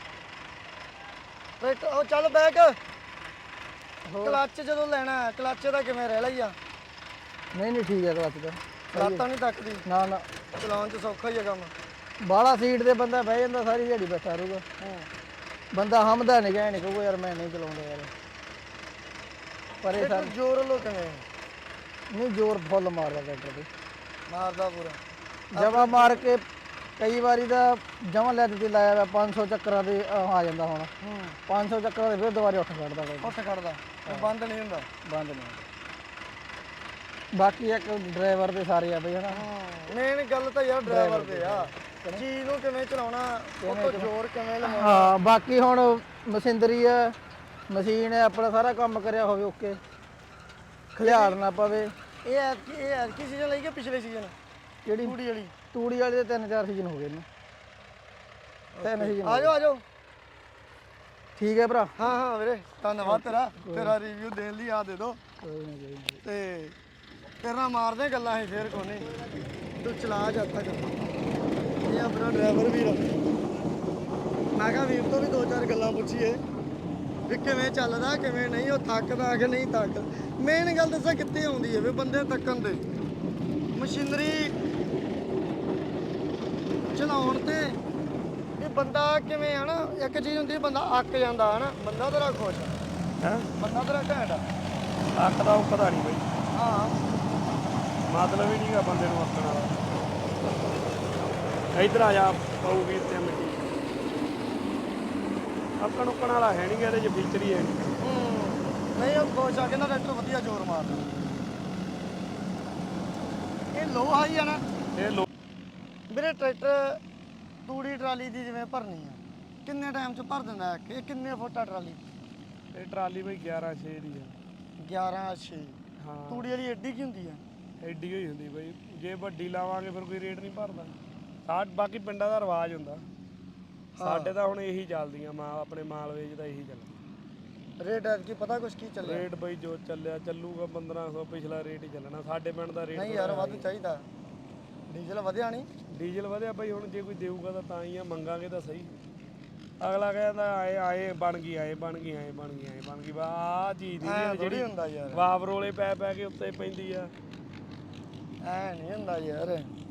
ਟਰੈਕਟਰ ਉਹ ਚੱਲ ਬੈਕ ਕਲੱਚ ਜਦੋਂ ਲੈਣਾ ਕਲੱਚ ਦਾ ਕਿਵੇਂ ਰਹਿ ਲਈ ਆ
ਨਹੀਂ ਠੀਕ ਹੈ ਕਲੱਚ ਦਾ
ਲੱਤਾਂ ਨਹੀਂ ਤੱਕਦੀ
ਨਾ
ਚਲਾਉਣ 'ਚ ਸੌਖਾ ਹੀ ਆ ਕੰਮ
ਬਾਹਲਾ ਸੀਟ ਤੇ ਬੰਦਾ ਬਹਿ ਜਾਂਦਾ ਸਾਰੀ ਦਿਹਾੜੀ ਬੈਠਾ ਰਹੂਗਾ ਬੰਦਾ ਹਮਦਾ ਨਹੀਂ ਕਹਿ ਨਹੀਂ ਕਹੂਗਾ ਯਾਰ ਮੈਂ ਨਹੀਂ ਚਲਾਉਂਦਾ ਯਾਰ ਪਰ ਇਹ ਸਰ
ਜ਼ੋਰ ਲੋ ਕਿਵੇਂ
ਨਹੀਂ ਜ਼ੋਰ ਫੁੱਲ ਮਾਰਦਾ ਟਰੈਕਟਰ ਤੇ
ਮਾਰਦਾ ਪੂਰਾ
ਜਮਾ ਮਾਰ ਕੇ ਕਈ ਵਾਰੀ ਤਾਂ ਜਮਾ ਲੈ ਦਿੱਤੀ ਲਾਇਆ ਵਾ 500 ਚੱਕਰਾਂ ਦੇ ਆ ਜਾਂਦਾ ਹੁਣ 500 ਚੱਕਰਾਂ ਦੇ ਫਿਰ ਦੁਬਾਰੇ ਉੱਠ ਖੜਦਾ
ਉੱਠ ਖੜਦਾ ਬੰਦ ਨਹੀਂ ਹੁੰਦਾ
ਬੰਦ ਨਹੀਂ ਬਾਕੀ ਇੱਕ ਡਰਾਈਵਰ ਦੇ ਸਾਰੇ ਆ ਬਈ ਹਨਾ
ਮੇਨ ਗੱਲ ਤਾਂ ਯਾਰ ਡਰਾਈਵਰ ਦੇ ਆ ਚੀਜ਼ ਨੂੰ ਕਿਵੇਂ ਚਲਾਉਣਾ ਉਹ ਤੋਂ ਜ਼ੋਰ ਕਿਵੇਂ ਲਵਾਉਣਾ
ਹਾਂ ਬਾਕੀ ਹੁਣ ਮਸ਼ੀਨਰੀ ਆ ਮਸ਼ੀਨ ਹੈ ਆਪਣਾ ਸਾਰਾ ਕੰਮ ਕਰਿਆ ਹੋਵੇ ਓਕੇ ਖਿਆਲ ਨਾ ਪਵੇ
ਇਹ ਕੀ ਸੀਜ਼ਨ ਲਈ ਕਿ ਪਿਛਲੇ ਸੀਜ਼ਨ
ਕਿਹੜੀ ਤੂੜੀ ਵਾਲੀ ਦੇ 3-4 ਸੀਜ਼ਨ ਹੋ ਗਏ ਨੇ 3 ਸੀਜ਼ਨ
ਆ ਜਾਓ
ਠੀਕ ਹੈ ਭਰਾ
ਹਾਂ ਵੀਰੇ ਧੰਨਵਾਦ ਤੇਰਾ ਰਿਵਿਊ ਦੇਣ ਲਈ ਆ ਦੇ ਦੋ ਤੇ ਤੇਰੇ ਨਾਲ ਮਾਰਦੇ ਗੱਲਾਂ ਅਸੀਂ ਫੇਰ ਕੋਨੇ ਤੂੰ ਚਲਾ ਜਦ ਤੱਕ ਇਹ ਆਪਣਾ ਡਰਾਈਵਰ ਵੀਰ ਮੈਂ ਕਿਹਾ ਵੀਰ ਤੋਂ ਵੀ 2-4 ਗੱਲਾਂ ਪੁੱਛੀਏ ਵੀ ਕਿਵੇਂ ਚੱਲਦਾ ਕਿਵੇਂ ਨਹੀਂ ਉਹ ਥੱਕਦਾ ਕਿ ਨਹੀਂ ਥੱਕ ਮੇਨ ਗੱਲ ਦੱਸਾਂ ਕਿੱਥੇ ਆਉਂਦੀ ਹੈ ਵੀ ਬੰਦੇ ਥੱਕਣ ਦੇ ਮਸ਼ੀਨਰੀ ਚਲਾਉਣ ਤੇ ਇਹ ਬੰਦਾ ਕਿਵੇਂ ਹਨਾ ਇੱਕ ਚੀਜ਼ ਹੁੰਦੀ ਬੰਦਾ ਅੱਕ ਜਾਂਦਾ ਹਨਾ ਬੰਦਾ ਤੇਰਾ ਖੁਸ਼
ਹੈ
ਬੰਦਾ ਤੇਰਾ ਘੈਂਟ
ਅੱਖ ਦਾ ਉਹ ਪਤਾ ਨਹੀਂ ਬਈ
ਹਾਂ
ਮਤਲਬ ਹੀ ਨਹੀਂਗਾ ਬੰਦੇ ਨੂੰ ਅੱਕਣ ਵਾਲਾ ਇੱਧਰ ਆ ਜਾ ਪਾਉ ਵੀਰ ਤੇ ਮਿੱਟੀ ਅੱਕਣ ਉੱਕਣ ਵਾਲਾ ਹੈ ਨਹੀਂ ਗਾ ਇਹਦੇ 'ਚ ਫੀਚਰ ਹੀ ਹੈ ਨਹੀਂ
ਨਹੀਂ ਉਹ ਖੁਸ਼ ਆ ਕਹਿੰਦਾ ਟਰੈਕਟਰ ਵਧੀਆ ਜ਼ੋਰ ਮਾਰਦਾ। ਇਹ ਲੋ ਹਾਈ ਆ ਨਾ
ਇਹ ਲੋ
ਵੀਰੇ ਟਰੈਕਟਰ ਤੂੜੀ ਟਰਾਲੀ ਦੀ ਜਿਵੇਂ ਭਰਨੀ ਆ ਕਿੰਨੇ ਟਾਈਮ 'ਚ ਭਰ ਦਿੰਦਾ ਇਹ ਕਿੰਨੇ ਫੁੱਟ ਆ ਟਰਾਲੀ?
ਇਹ ਟਰਾਲੀ ਬਈ 11/6 ਦੀ ਆ।
11/6
ਹਾਂ
ਤੂੜੀ ਵਾਲੀ ਐਡੀ ਕੀ ਹੁੰਦੀ ਆ?
ਐਡੀ ਹੋਈ ਹੁੰਦੀ ਬਈ, ਜੇ ਵੱਡੀ ਲਾਵਾਂਗੇ ਫਿਰ ਕੋਈ ਰੇਟ ਨਹੀਂ ਭਰਦਾ। ਬਾਕੀ ਪਿੰਡਾਂ ਦਾ ਰਿਵਾਜ ਹੁੰਦਾ, ਸਾਡੇ ਤਾਂ ਹੁਣ ਇਹੀ ਚੱਲਦੀਆਂ ਆਪਣੇ ਮਾਲਵੇ 'ਚ ਤਾਂ ਇਹੀ ਚੱਲਦਾ।
ਰੇਟ ਕੀ ਪਤਾ ਕੁਛ ਕੀ ਚੱਲਿਆ?
ਰੇਟ ਬਈ ਜੋ ਚੱਲਿਆ ਚੱਲੂਗਾ 1500 ਪਿਛਲਾ ਰੇਟ ਹੀ ਚੱਲਣਾ। ਸਾਡੇ ਪਿੰਡ ਦਾ ਰੇਟ
ਨਹੀਂ ਯਾਰ ਵੱਧ ਚਾਹੀਦਾ, ਡੀਜ਼ਲ ਵਧਿਆ ਨਹੀਂ?
ਡੀਜ਼ਲ ਵਧਿਆ ਬਈ, ਹੁਣ ਜੇ ਕੋਈ ਦੇਊਗਾ ਤਾਂ ਹੀ ਆ, ਮੰਗਾਂਗੇ ਤਾਂ ਸਹੀ। ਅਗਲਾ ਕਹਿੰਦਾ ਆਏ ਆਏ ਬਣ ਗਈ ਆਏ ਬਣ ਗਈ ਆਏ ਬਣ ਗਈ ਆਏ ਬਣ ਗਈ ਬਾ ਆਹ ਚੀਜ਼ ਦੀ
ਜਿਹੜੀ ਹੁੰਦਾ ਯਾਰ
ਵਾਪ ਰੋਲੇ ਪੈ ਪੈ ਕੇ ਉੱਤੇ ਪੈਂਦੀ ਆ।
ਐ ਨਹੀਂ ਹੁੰਦਾ ਯਾਰ।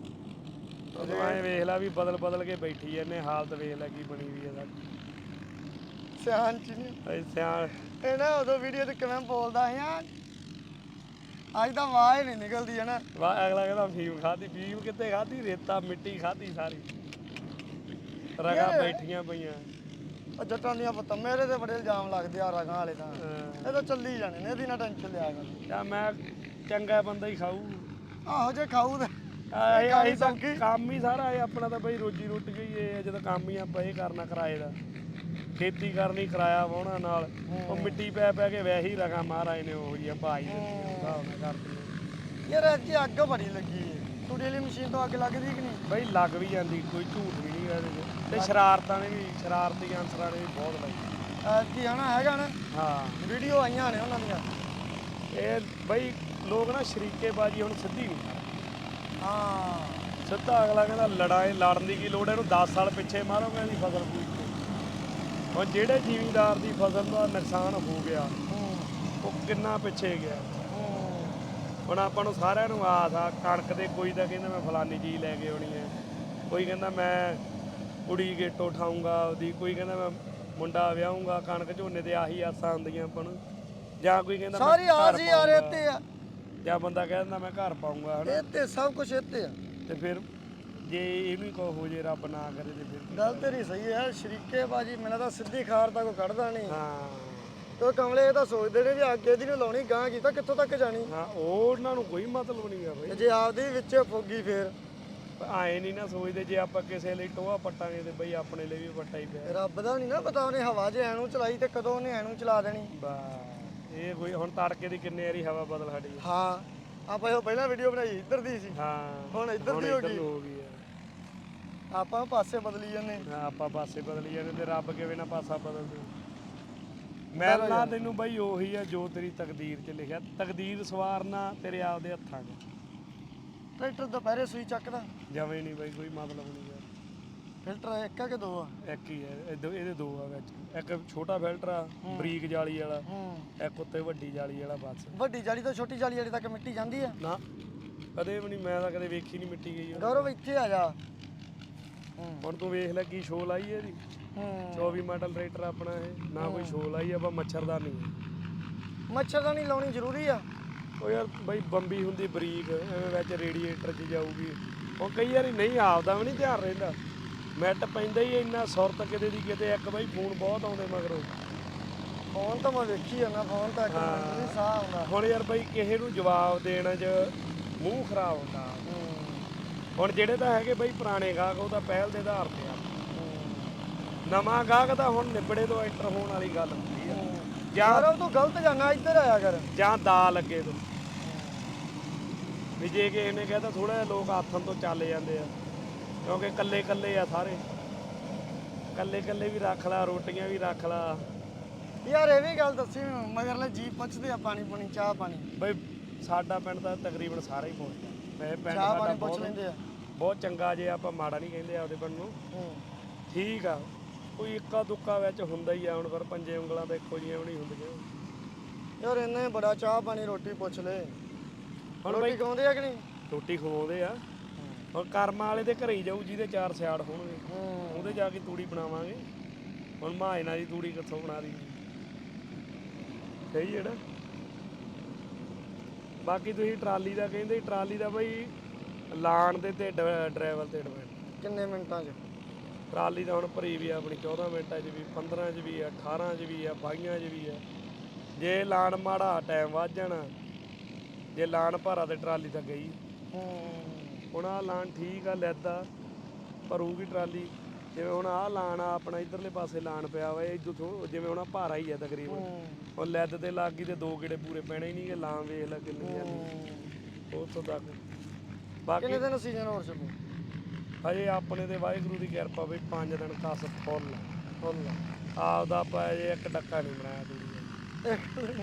ਤੂੰ ਐਂ ਵੇਖ ਲੈ ਵੀ ਬਦਲ ਬਦਲ ਕੇ ਬੈਠੀ ਐ, ਇਹਨੇ ਹਾਲਤ ਵੇਖ ਲੈ ਕੀ ਬਣੀ ਵੀ ਆ ਸਾਡੀ।
ਸਿਆਣ ਚ ਨਹੀਂ
ਸਿਆਣ
ਇਹ ਨਾ ਉਦੋਂ ਵੀਡੀਓ ਤੇ ਕਿਵੇਂ ਬੋਲਦਾ ਆ, ਅੱਜ ਤਾਂ ਆਵਾਜ਼ ਨਹੀਂ ਨਿਕਲਦੀ ਹੈ ਨਾ।
ਅਗਲਾ ਕਹਿੰਦਾ ਫੀਮ ਖਾਧੀ, ਫੀਮ ਕਿੱਥੇ ਖਾਧੀ, ਰੇਤਾ ਮਿੱਟੀ ਖਾਧੀ ਸਾਰੀ, ਰਗਾ ਬੈਠੀਆਂ ਪਈਆਂ।
ਉਹ ਜੱਟਾਂ ਦੀਆਂ ਪੁੱਤ ਮੇਰੇ ਤੇ ਬੜੇ ਇਲਜ਼ਾਮ ਲੱਗਦੇ ਆ ਰਗਾਂ ਵਾਲੇ ਤਾਂ। ਇਹ ਤਾਂ ਚੱਲੀ ਜਾਣੇ ਨੇ, ਇਹਦੀ ਨਾ ਟੈਨਸ਼ਨ ਲਿਆ ਕਰ।
ਯਾ ਮੈਂ ਚੰਗਾ ਬੰਦਾ ਹੀ ਖਾਊ।
ਆਹੋ ਜੇ ਖਾਊ ਤੇ
ਅਸੀਂ ਤਾਂ ਕੰਮ ਹੀ ਸਾਰਾ ਇਹ ਆਪਣਾ ਤਾਂ ਬਈ ਰੋਜੀ ਰੋਟੀ ਗਈ ਇਹ ਜਦੋਂ ਕੰਮ ਹੀ ਆਪਾਂ ਇਹ ਕਰਨਾ ਕਿਰਾਏ ਦਾ, ਖੇਤੀ ਕਰਨੀ ਕਿਰਾਇਆ ਵਾਹੁਣਾ ਨਾਲ, ਉਹ ਮਿੱਟੀ ਪੈ ਪੈ ਕੇ ਵੈਸੇ ਹੀ ਰਗਾ ਮਹਾਰਾਜ ਨੇ ਉਹ ਜਿਹਾ ਭਾਈ ਕਰਦੀ।
ਯਾਰ ਅੱਜ ਅੱਗ ਬੜੀ ਲੱਗੀ ਏ, ਤੂੜੀ ਵਾਲੀ ਮਸ਼ੀਨ ਤੋਂ ਅੱਗ ਲੱਗਦੀ ਕਿ ਨਹੀਂ?
ਬਈ ਲੱਗ ਵੀ ਜਾਂਦੀ, ਕੋਈ ਝੂਠ ਵੀ ਨਹੀਂ ਇਹਦੇ 'ਚ। ਤੇ ਸ਼ਰਾਰਤਾਂ ਨੇ ਵੀ, ਸ਼ਰਾਰਤੀ ਅਨਸਰਾਂ ਨੇ ਵੀ ਬਹੁਤ ਲਾਈ।
ਕੀ ਹਨਾ ਹੈਗਾ ਨਾ,
ਹਾਂ
ਵੀਡੀਓ ਆਈਆਂ ਨੇ ਉਹਨਾਂ ਦੀਆਂ।
ਇਹ ਬਈ ਲੋਕ ਨਾ ਸ਼ਰੀਕੇਬਾਜ਼ੀ ਹੁਣ ਸਿੱਧੀ ਨਹੀਂ ਕਰਦੇ।
ਹਾਂ
ਸਿੱਧਾ ਅਗਲਾ ਕਹਿੰਦਾ ਲੜਨ ਦੀ ਕੀ ਲੋੜ, ਇਹਨੂੰ 10 ਸਾਲ ਪਿੱਛੇ ਮਾਰੋਗੇ ਇਹਦੀ ਫਸਲ ਪੂਰੀ। ਹੁਣ ਜਿਹੜੇ ਜ਼ਿਮੀਂਦਾਰ ਦੀ ਫਸਲ ਦਾ ਨੁਕਸਾਨ ਹੋ ਗਿਆ ਉਹ ਕਿੰਨਾ ਪਿੱਛੇ ਗਿਆ। ਹੁਣ ਆਪਾਂ ਨੂੰ ਸਾਰਿਆਂ ਨੂੰ ਆਸ ਆ ਕਣਕ ਦੇ, ਕੋਈ ਤਾਂ ਕਹਿੰਦਾ ਮੈਂ ਫਲਾਨੀ ਚੀਜ਼ ਲੈ ਕੇ ਆਉਣੀ ਹੈ, ਕੋਈ ਕਹਿੰਦਾ ਮੈਂ ਕੁੜੀ ਗੇਟੋ ਉਠਾਊਂਗਾ ਉਹਦੀ, ਕੋਈ ਕਹਿੰਦਾ ਮੈਂ ਮੁੰਡਾ ਵਿਆਹੂੰਗਾ। ਕਣਕ ਝੋਨੇ ਤੇ ਆਹੀ ਆਸਾਂ ਹੁੰਦੀਆਂ ਆਪਾਂ ਨੂੰ, ਜਾਂ ਕੋਈ ਕਹਿੰਦਾ
ਸਾਰੀ ਆਸ ਹੀ ਆ ਰਹੇ ਤੇ ਆ,
ਜਾਂ ਬੰਦਾ ਕਹਿੰਦਾ ਮੈਂ ਘਰ ਪਾਊਂਗਾ ਹਨਾ।
ਇਹ ਤੇ ਸਭ ਕੁਝ ਇੱਥੇ ਆ।
ਤੇ ਫਿਰ ਜੇ ਇਹਨੂੰ ਹੀ ਕਹੋ ਹੋ ਜੇ ਰੱਬ ਨਾ ਕਰੇ ਤੇ ਫਿਰ
ਗੱਲ ਤੇਰੀ ਸਹੀ ਹੈ। ਸ਼ਰੀਕੇਬਾਜ਼ੀ ਮੈਨੂੰ ਤਾਂ ਸਿੱਧੀ ਖਾਰ ਤਾਂ ਕੋਈ ਕੱਢਦਾ ਨਹੀਂ।
ਹਾਂ
ਉਹ ਕਮਲੇ ਇਹ ਤਾਂ ਸੋਚਦੇ ਨੇ ਵੀ ਅੱਗੇ ਦੀ ਨੂੰ ਲਾਉਣੀ, ਗਾਂ ਕੀਤਾ ਕਿੱਥੋਂ ਤੱਕ ਜਾਣੀ।
ਹਾਂ ਉਹਨਾਂ ਨੂੰ ਕੋਈ ਮਤਲਬ ਨਹੀਂ ਆ ਬਈ।
ਜੇ ਆਪਦੀ ਵਿੱਚ ਫੋਗੀ ਫੇਰ
ਆਏ ਨਹੀਂ ਨਾ ਸੋਚਦੇ, ਜੇ ਆਪਾਂ ਕਿਸੇ ਲਈ ਟੋਆ ਪੱਟਾਂਗੇ ਤੇ ਬਈ ਆਪਣੇ ਲਈ ਵੀ ਪੱਟਾ ਹੀ ਪਿਆ।
ਰੱਬ ਦਾ ਨਹੀਂ ਨਾ ਪਤਾ ਉਹਨੇ ਹਵਾ 'ਚ ਐਨੂੰ ਚਲਾਈ ਤੇ ਕਦੋਂ ਉਹਨੇ ਐਨੂੰ ਚਲਾ ਦੇਣੀ।
ਇਹ ਕੋਈ ਹੁਣ ਤੜਕੇ ਦੀ ਕਿੰਨੇ ਵਾਰੀ ਹਵਾ ਬਦਲ ਸਾਡੀ।
ਹਾਂ ਆਪਾਂ ਇਹ ਪਹਿਲਾਂ ਵੀਡੀਓ ਬਣਾਈ ਇੱਧਰ ਦੀ ਸੀ,
ਹਾਂ
ਹੁਣ ਇੱਧਰ ਦੀ ਹੋ ਗਈ।
ਆ।
ਆਪਾਂ ਪਾਸੇ ਬਦਲੀ ਜਾਂਦੇ।
ਹਾਂ ਆਪਾਂ ਪਾਸੇ ਬਦਲੀ ਜਾਂਦੇ ਤੇ ਰੱਬ ਕਿਵੇਂ ਨਾ ਪਾਸਾ ਬਦਲ ਦੇ। ਮਿਲਣਾ ਤੈਨੂੰ ਬਈ ਉਹੀ ਆ ਜੋ ਤੇਰੀ ਤਕਦੀਰ 'ਚ ਲਿਖਿਆ। ਤਕਦੀਰ ਸਵਾਰਨਾ ਤੇਰੇ ਆਪਦੇ ਹੱਥਾਂ 'ਚ।
ਟਰੈਕਟਰ ਦੁਪਹਿਰੇ ਸੂਈ ਚੱਕਦਾ
ਜਵੇਂ ਨਹੀਂ ਬਈ, ਕੋਈ ਮਤਲਬ ਨਹੀਂ ਯਾਰ।
ਫਿਲਟਰ ਇੱਕ ਆ ਕਿ ਦੋ ਆ?
ਇੱਕ ਹੀ ਹੈ, ਇਹਦੇ ਦੋ ਆ ਵਿੱਚ। ਇੱਕ ਛੋਟਾ ਫਿਲਟਰ ਆ ਬਰੀਕ ਜਾਲੀ ਵਾਲਾ, ਇੱਕ ਉੱਤੇ ਵੱਡੀ ਜਾਲੀ ਵਾਲਾ। ਬਸ
ਵੱਡੀ ਜਾਲੀ ਤੋਂ ਛੋਟੀ ਜਾਲੀ ਵਾਲੀ ਤੱਕ ਮਿੱਟੀ ਜਾਂਦੀ ਆ?
ਨਾ ਕਦੇ ਵੀ ਨਹੀਂ, ਮੈਂ ਤਾਂ ਕਦੇ ਵੇਖੀ ਨਹੀਂ ਮਿੱਟੀ ਗਈ।
ਗੌਰਵ ਇੱਥੇ ਆ ਜਾ।
ਹੁਣ ਤੂੰ ਵੇਖ ਲੈ ਕੀ ਸ਼ੋ ਲਾਈ ਇਹਦੀ। 24 ਮਾਡਲ ਟਰੈਕਟਰ ਆਪਣਾ ਇਹ, ਨਾ ਕੋਈ ਸ਼ੋ ਲਾਈ ਆਪਾਂ ਮੱਛਰਦਾਨੀ।
ਮੱਛਰਦਾਨੀ ਲਾਉਣੀ ਜ਼ਰੂਰੀ ਆ?
ਉਹ ਯਾਰ ਬਈ ਬੰਬੀ ਹੁੰਦੀ ਬਰੀਕ, ਐਵੇਂ ਵਿੱਚ ਰੇਡੀਏਟਰ 'ਚ ਜਾਊਗੀ। ਉਹ ਕਈ ਵਾਰੀ ਨਹੀਂ ਆਪਦਾ ਵੀ ਨਹੀਂ ਧਿਆਨ ਰਹਿੰਦਾ, ਮਿੱਟ ਪੈਂਦਾ ਹੀ ਇੰਨਾ ਸੁਰਤ ਕਿਤੇ ਦੀ ਕਿਤੇ। ਇੱਕ ਬਈ ਫੋਨ ਬਹੁਤ ਆਉਂਦੇ ਮਗਰੋਂ।
ਫੋਨ ਤਾਂ ਮੈਂ ਵੇਖੀ ਜਾਂਦਾ, ਫੋਨ ਤਾਂ ਇੱਕ ਮਿੰਟ ਨਹੀਂ ਸਾਹ ਆਉਂਦਾ।
ਹੁਣ ਯਾਰ ਬਈ ਕਿਸੇ ਨੂੰ ਜਵਾਬ ਦੇਣ 'ਚ ਮੂੰਹ ਖਰਾਬ ਹੁੰਦਾ। ਹੁਣ ਜਿਹੜੇ ਤਾਂ ਹੈਗੇ ਬਈ ਪੁਰਾਣੇ ਗਾਹਕ, ਉਹ ਤਾਂ ਪਹਿਲ ਦੇ ਆਧਾਰ ਤੇ ਆ। ਨਵਾਂ ਗਾਹਕ ਤਾਂ ਹੁਣ ਨਿਬੜੇ ਤੋਂ ਐਂਟਰ ਹੋਣ ਵਾਲੀ ਗੱਲ ਹੁੰਦੀ ਆ।
ਯਾਰ ਤੂੰ ਗਲਤ ਜਾਣਾ, ਇੱਧਰ ਆਇਆ ਕਰ।
ਜਾਂ ਦਾ ਲੱਗੇ ਤੋਂ ਵੀ ਜੇ ਕਿਸੇ ਨੇ ਕਹਿੰਦਾ ਥੋੜਾ ਜਿਹਾ ਲੋਕ ਆਥਣ ਤੋਂ ਚੱਲ ਜਾਂਦੇ ਆ, ਕਿਉਂਕਿ ਕੱਲੇ ਕੱਲੇ ਆ ਸਾਰੇ। ਕੱਲੇ ਕੱਲੇ ਵੀ ਰੱਖ ਲਾ, ਰੋਟੀਆਂ ਵੀ ਰੱਖ ਲਾ।
ਯਾਰ ਇਹ ਵੀ ਗੱਲ ਦੱਸੀ ਮਗਰਲੇ ਜੀ ਪੁੱਛਦੇ ਆ ਪਾਣੀ ਪੂਣੀ, ਚਾਹ ਪਾਣੀ।
ਬਈ ਸਾਡਾ ਪਿੰਡ ਤਾਂ ਤਕਰੀਬਨ ਸਾਰਾ ਹੀ ਪਹੁੰਚਦਾ। ਵੈਸੇ ਪਿੰਡ
ਚਾਹ
ਸਾਡਾ
ਪਾਣੀ ਪੁੱਛ ਲੈਂਦੇ ਆ,
ਬਹੁਤ ਚੰਗਾ। ਜੇ ਆਪਾਂ ਮਾੜਾ ਨਹੀਂ ਕਹਿੰਦੇ ਆਪਦੇ ਪਿੰਡ ਨੂੰ, ਠੀਕ ਆ। ਕੋਈ ਇੱਕਾ ਦੁੱਕਾ ਵਿੱਚ ਹੁੰਦਾ ਹੀ ਆ ਹੁਣ, ਪਰ ਪੰਜੇ ਉਂਗਲਾਂ ਤਾਂ ਇੱਕੋ ਜਿਹੀਆਂ ਵੀ ਨਹੀਂ ਹੁੰਦੀਆਂ।
ਯਾਰ ਇੰਨੇ ਬੜਾ ਚਾਹ ਪਾਣੀ ਰੋਟੀ ਪੁੱਛ ਲੈ। ਹੁਣ ਰੋਟੀ ਖਾਉਂਦੇ ਆ ਕਿ ਨਹੀਂ?
ਰੋਟੀ ਖਵਾਉਂਦੇ ਆ। ਹੁਣ ਕਰਮਾਂ ਵਾਲੇ ਦੇ ਘਰੇ ਹੀ ਜਾਊ ਜਿਹਦੇ 4 ਸਿਆੜ ਹੋਣਗੇ, ਉਹਦੇ ਜਾ ਕੇ ਤੂੜੀ ਬਣਾਵਾਂਗੇ। ਹੁਣ ਮਾਇਨਾ ਦੀ ਤੂੜੀ ਕਿੱਥੋਂ ਬਣਾ ਦੀ? ਸਹੀ ਹੈ ਨਾ। ਬਾਕੀ ਤੁਸੀਂ ਟਰਾਲੀ ਦਾ ਕਹਿੰਦੇ, ਟਰਾਲੀ ਦਾ ਬਈ ਲਾਣ ਦੇ ਤੇ ਡਰਾਈਵਰ ਤੇ ਡਿਪੈਂਡ।
ਕਿੰਨੇ ਮਿੰਟਾਂ 'ਚ?
ਟਰਾਲੀ ਤਾਂ ਹੁਣ ਭਰੀ ਵੀ ਆ ਆਪਣੀ 14 ਮਿੰਟਾਂ 'ਚ ਵੀ, 15 'ਚ ਵੀ ਆ, 18 'ਚ ਵੀ ਆ, 22 'ਚ ਵੀ ਆ। ਜੇ ਲਾਣ ਮਾੜਾ ਟਾਈਮ ਵੱਧ ਜਾਣਾ, ਜੇ ਲਾਣ ਭਾਰਾ ਤੇ ਟਰਾਲੀ ਤਾਂ ਗਈ। ਹੁਣ ਆਹ ਲਾਣ ਠੀਕ ਆ, ਲੈਦਾ ਭਰੂਗੀ ਟਰਾਲੀ। ਜਿਵੇਂ ਹੁਣ ਆਹ ਲਾਣ ਆ ਆਪਣਾ ਇਧਰਲੇ ਪਾਸੇ ਲਾਣ ਪਿਆ ਵਾ, ਇਹ ਜਿਵੇਂ ਹੁਣ ਭਾਰਾ ਹੀ ਆ ਤਕਰੀਬਨ, ਉਹ ਲੈਦ ਤੇ ਲੱਗ ਗਈ ਤੇ 2 ਗੇੜੇ ਪੂਰੇ ਪੈਣੇ ਹੀ ਨਹੀਂ ਗੇ। ਲਾਂ ਵੇਖ ਲੈ ਕਿੰਨੀ ਜਾਂਦੀ ਉੱਥੋਂ ਤੱਕ। ਬਾਕੀ
ਕਿੰਨੇ ਦਿਨ ਸੀਜ਼ਨ ਹੋਰ ਚੱਲੂ?
ਹਜੇ ਆਪਣੇ ਤੇ ਵਾਹਿਗੁਰੂ ਦੀ ਕਿਰਪਾ ਬਈ 5 ਦਿਨ ਕਸ ਫੁੱਲ ਆਪਦਾ ਆਪਾਂ ਅਜੇ ਇੱਕ ਡੱਕਾ ਨਹੀਂ ਬਣਾਇਆ ਦੂਜੀ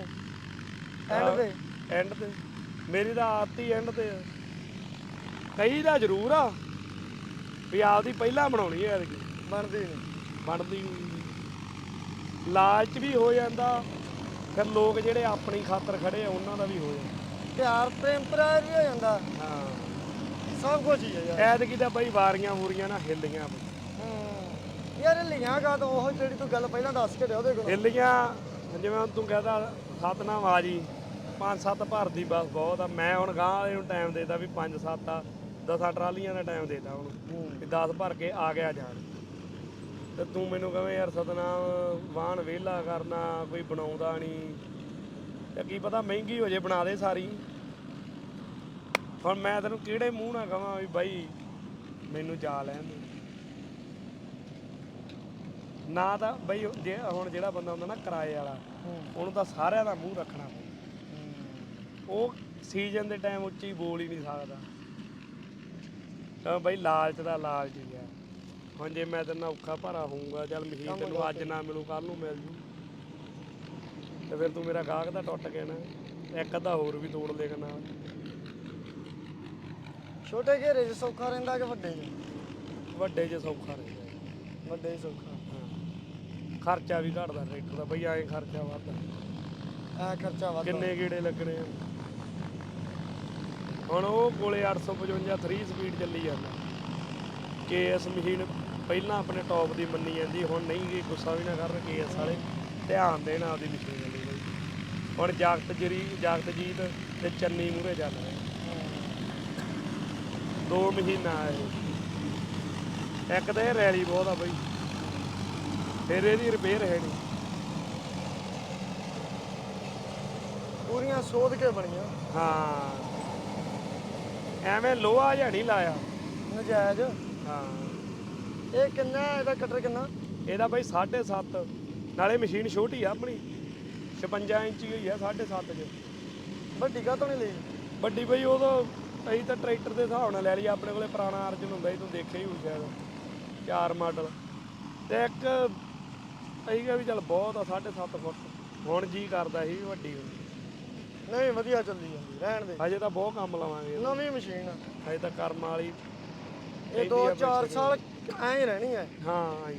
ਐਂਡ ਤੇ ਮੇਰੀ ਤਾਂ ਆਦਤ ਹੀ ਐਂਡ ਤੇ ਆ। ਕਈ ਦਾ ਜ਼ਰੂਰ ਆ ਵੀ ਆਪਦੀ ਪਹਿਲਾਂ ਬਣਾਉਣੀ ਐ,
ਬਣਦੀ ਨਹੀਂ।
ਬਣਦੀ ਨਹੀਂ। ਲਾਲਚ ਵੀ ਹੋ ਜਾਂਦਾ, ਫਿਰ ਲੋਕ ਜਿਹੜੇ ਆਪਣੀ ਖਾਤਰ ਖੜੇ ਆ ਉਹਨਾਂ ਦਾ ਵੀ ਹੋ ਜਾਂਦਾ।
ਪਿਆਰ ਟੈਂਪਰੇਰੀ ਹੋ ਜਾਂਦਾ।
ਹਾਂ
ਸਭ ਕੁਝ ਹੀ ਹੈ ਯਾਰ।
ਐਤਕੀ ਤਾਂ ਬਈ ਵਾਰੀਆਂ ਵੂਰੀਆਂ ਨਾ ਹਿੱਲੀਆਂ ਬਈ।
ਯਾਰ ਹਿੱਲੀਆਂ ਗਾ ਤਾਂ ਉਹ ਜਿਹੜੀ ਤੂੰ ਗੱਲ ਪਹਿਲਾਂ ਦੱਸ ਕੇ ਦਿਆ ਉਹਦੇ ਕੋਲ
ਹਿੱਲੀਆਂ ਜਿਵੇਂ ਹੁਣ ਤੂੰ ਕਹਿੰਦਾ ਸਤਨਾਮ ਆ ਜੀ 5-7 ਭਰਦੀ ਬਸ ਬਹੁਤ ਆ। ਮੈਂ ਹੁਣ ਗਾਂ ਵਾਲੇ ਨੂੰ ਟਾਈਮ ਦੇਤਾ ਵੀ 5-7 ਆ, 10 ਟਰਾਲੀਆਂ ਦਾ ਟਾਈਮ ਦੇਤਾ ਹੁਣ ਵੀ 10 ਭਰ ਕੇ ਆ ਗਿਆ ਜਾਣ। ਤੇ ਤੂੰ ਮੈਨੂੰ ਕਵੇਂ ਯਾਰ ਸਤਨਾਮ ਵਾਹਣ ਵਿਹਲਾ ਕਰਨਾ, ਕੋਈ ਬਣਾਉਂਦਾ ਨਹੀਂ, ਤੇ ਕੀ ਪਤਾ ਮਹਿੰਗੀ ਹੋ ਜੇ ਬਣਾ ਦੇ ਸਾਰੀ। ਹੁਣ ਮੈਂ ਤੈਨੂੰ ਕਿਹੜੇ ਮੂੰਹ ਨਾਲ ਕਹਾਂ ਵੀ ਬਾਈ ਮੈਨੂੰ ਜਾ ਲੈਣ ਦੇ ਨਾ। ਤਾਂ ਬਈ ਜੇ ਹੁਣ ਜਿਹੜਾ ਬੰਦਾ ਹੁੰਦਾ ਨਾ ਕਿਰਾਏ ਵਾਲਾ, ਉਹਨੂੰ ਤਾਂ ਸਾਰਿਆਂ ਦਾ ਮੂੰਹ ਰੱਖਣਾ ਪੈਂਦਾ। ਉਹ ਸੀਜ਼ਨ ਦੇ ਟਾਈਮ ਉੱਚੀ ਬੋਲ ਹੀ ਨਹੀਂ ਸਕਦਾ। ਤਾਂ ਬਈ ਲਾਲਚ ਦਾ ਲਾਲਚ ਹੀ ਆ। ਹੁਣ ਜੇ ਮੈਂ ਤੇਰੇ ਨਾਲ ਔਖਾ ਭਾਰਾ ਹੋਊਗਾ, ਚੱਲ ਮਸ਼ੀਨ ਤੈਨੂੰ ਅੱਜ ਨਾ ਮਿਲੂ ਕੱਲ ਨੂੰ ਮਿਲ ਜੂ, ਤੇ ਫਿਰ ਤੂੰ ਮੇਰਾ ਗਾਹਕ ਤਾਂ ਟੁੱਟ ਗਿਆ ਨਾ। ਇੱਕ ਅੱਧਾ ਹੋਰ ਵੀ ਤੋੜ ਲੇਗਾ ਨਾਲ।
ਛੋਟੇ ਘੇਰੇ 'ਚ ਸੌਖਾ ਰਹਿੰਦਾ ਕਿ ਵੱਡੇ 'ਚ?
ਵੱਡੇ 'ਚ ਸੌਖਾ ਰਹਿੰਦਾ।
ਵੱਡੇ 'ਚ ਸੌਖਾ।
ਹਾਂ ਖਰਚਾ ਵੀ ਘਟਦਾ ਟਰੈਕਟਰ ਦਾ ਬਈ, ਐਂ ਖਰਚਾ ਵੱਧਦਾ।
ਐ ਖਰਚਾ ਵੱਧਦਾ।
ਕਿੰਨੇ ਗੇੜੇ ਲੱਗਣੇ ਆ। ਹੁਣ ਉਹ ਕੋਲੇ 855 3 ਸਪੀਡ ਚੱਲੀ ਜਾਂਦਾ। KS ਮਸ਼ੀਨ ਪਹਿਲਾਂ ਆਪਣੇ ਟੌਪ ਦੀ ਮੰਨੀ ਜਾਂਦੀ, ਹੁਣ ਨਹੀਂ ਗਈ। ਗੁੱਸਾ ਵੀ ਨਾ ਕਰਨ KS ਵਾਲੇ, ਧਿਆਨ ਦੇਣ ਆਪਦੀ ਮਸ਼ੀਨ ਵਾਲੀ ਬਈ। ਹੁਣ ਜਗਤਜੀਤ ਤੇ ਚੰਨੀ ਮੂਹਰੇ ਚੱਲ ਰਹੇ 2 ਮਹੀਨਾ ਇਹ। ਇੱਕ ਤਾਂ ਇਹ ਰੈਲੀ ਬਹੁਤ ਆ ਬਈ, ਫਿਰ ਇਹਦੀ ਰਿਪੇਅਰ ਹੈ ਨਹੀਂ।
ਪੂਰੀਆਂ ਸੋਧ ਕੇ ਬਣੀਆਂ।
ਹਾਂ ਐਵੇਂ ਲੋਹਾ ਜਿਹਾ ਨਹੀਂ ਲਾਇਆ
ਨਜਾਇਜ਼।
ਹਾਂ
ਇਹ ਕਿੰਨਾ ਇਹਦਾ ਕਟਰ ਕਿੰਨਾ?
ਇਹਦਾ ਬਈ 7.5, ਨਾਲੇ ਮਸ਼ੀਨ ਛੋਟੀ ਆ ਆਪਣੀ 56 ਇੰਚੀ ਹੋਈ ਆ 7.5 'ਚ।
ਵੱਡੀ ਕਾਹਤੋਂ ਨਹੀਂ ਲਈ?
ਵੱਡੀ ਬਈ ਉਦੋਂ ਅਸੀਂ ਤਾਂ ਟਰੈਕਟਰ ਦੇ ਹਿਸਾਬ ਨਾਲ ਲੈ ਲਈ। ਆਪਣੇ ਕੋਲੇ ਪੁਰਾਣਾ ਅਰਜਨ ਹੁੰਦਾ ਸੀ, ਤੂੰ ਦੇਖਿਆ ਹੀ ਹੋਊ ਸ਼ਾਇਦ, 4 ਮਾਡਲ। ਤੇ ਇੱਕ ਅਸੀਂ ਕਿਹਾ ਵੀ ਚੱਲ ਬਹੁਤ ਆ 7.5 ਫੁੱਟ। ਹੁਣ ਜੀ ਕਰਦਾ ਸੀ ਵੱਡੀ ਹੋਣੀ।
ਨਹੀਂ ਵਧੀਆ ਚੱਲੀ ਜਾਂਦੀ, ਰਹਿਣ ਦੇ।
ਹਜੇ ਤਾਂ ਬਹੁਤ ਕੰਮ ਲਵਾਂਗੇ।
ਨਵੀਂ ਮਸ਼ੀਨ ਆ
ਹਜੇ ਤਾਂ ਕਰਮ ਵਾਲੀ।
ਇਹ 2-4 ਸਾਲ ਐਂ ਹੀ ਰਹਿਣੀ ਹੈ।
ਹਾਂ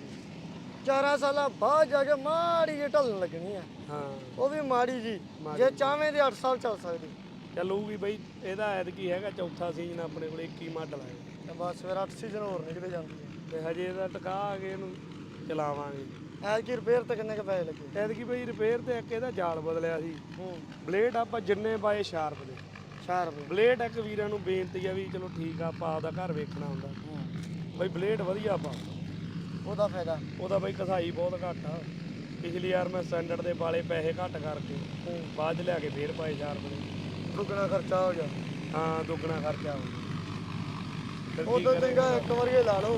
4 ਸਾਲਾਂ ਬਾਅਦ ਜਾ ਕੇ ਮਾੜੀ ਜਿਹੀ ਢਲਣ ਲੱਗਣੀ ਆ।
ਹਾਂ
ਉਹ ਵੀ ਮਾੜੀ ਜੀ, ਜੇ ਚਾਹਵੇਂ ਦੇ 8 ਸਾਲ ਚੱਲ ਸਕਦੀ।
ਚੱਲੂਗੀ ਬਈ। ਇਹਦਾ ਐਤਕੀ ਹੈਗਾ ਚੌਥਾ ਸੀਜ਼ਨ, ਆਪਣੇ ਕੋਲ 21 ਮਾਡਲ ਆਏ
ਤੇ ਬਸ ਫਿਰ 8 ਸੀਜ਼ਨ ਹੋਰ ਨਿਕਲੇ ਜਾਂਦੀ ਹੈ।
ਤੇ ਹਜੇ ਇਹਦਾ ਟਕਾ ਆ ਕੇ ਇਹਨੂੰ ਚਲਾਵਾਂਗੇ।
ਐਤਕੀ ਰਿਪੇਅਰ ਤੇ ਕਿੰਨੇ ਕ ਪੈਸੇ ਲੱਗੇ?
ਐਤਕੀ ਬਈ ਰਿਪੇਅਰ ਤੇ ਇੱਕ ਇਹਦਾ ਜਾਲ ਬਦਲਿਆ ਸੀ। ਬਲੇਡ ਆਪਾਂ ਜਿੰਨੇ ਪਾਏ ਸ਼ਾਰਪ ਦੇ।
4 ਰੁਪਏ
ਬਲੇਡ ਇੱਕ ਵੀਰਾਂ ਨੂੰ ਬੇਨਤੀ ਆ ਵੀ ਚਲੋ ਠੀਕ ਆ, ਆਪਾਂ ਆਪਦਾ ਘਰ ਵੇਖਣਾ ਹੁੰਦਾ ਬਈ ਬਲੇਡ ਵਧੀਆ ਪਾ।
ਉਹਦਾ ਫਾਇਦਾ?
ਉਹਦਾ ਬਈ ਕਸਾਈ ਬਹੁਤ ਘੱਟ ਆ। ਪਿਛਲੀ ਵਾਰ ਮੈਂ ਸਟੈਂਡਰਡ ਦੇ ਵਾਲੇ ਪੈਸੇ ਘੱਟ ਕਰਕੇ ਬਾਅਦ 'ਚ ਲਿਆ ਕੇ ਫੇਰ ਪਾਏ ਸ਼ਾਰਪ ਦੇ।
ਦੁੱਗਣਾ ਖਰਚਾ ਹੋ ਗਿਆ।
ਹਾਂ ਦੁੱਗਣਾ ਖਰਚਾ ਹੋ ਗਿਆ।
ਉਦੋਂ ਚੰਗਾ ਇੱਕ ਵਾਰੀ ਹੀ ਲਾ ਲਓ।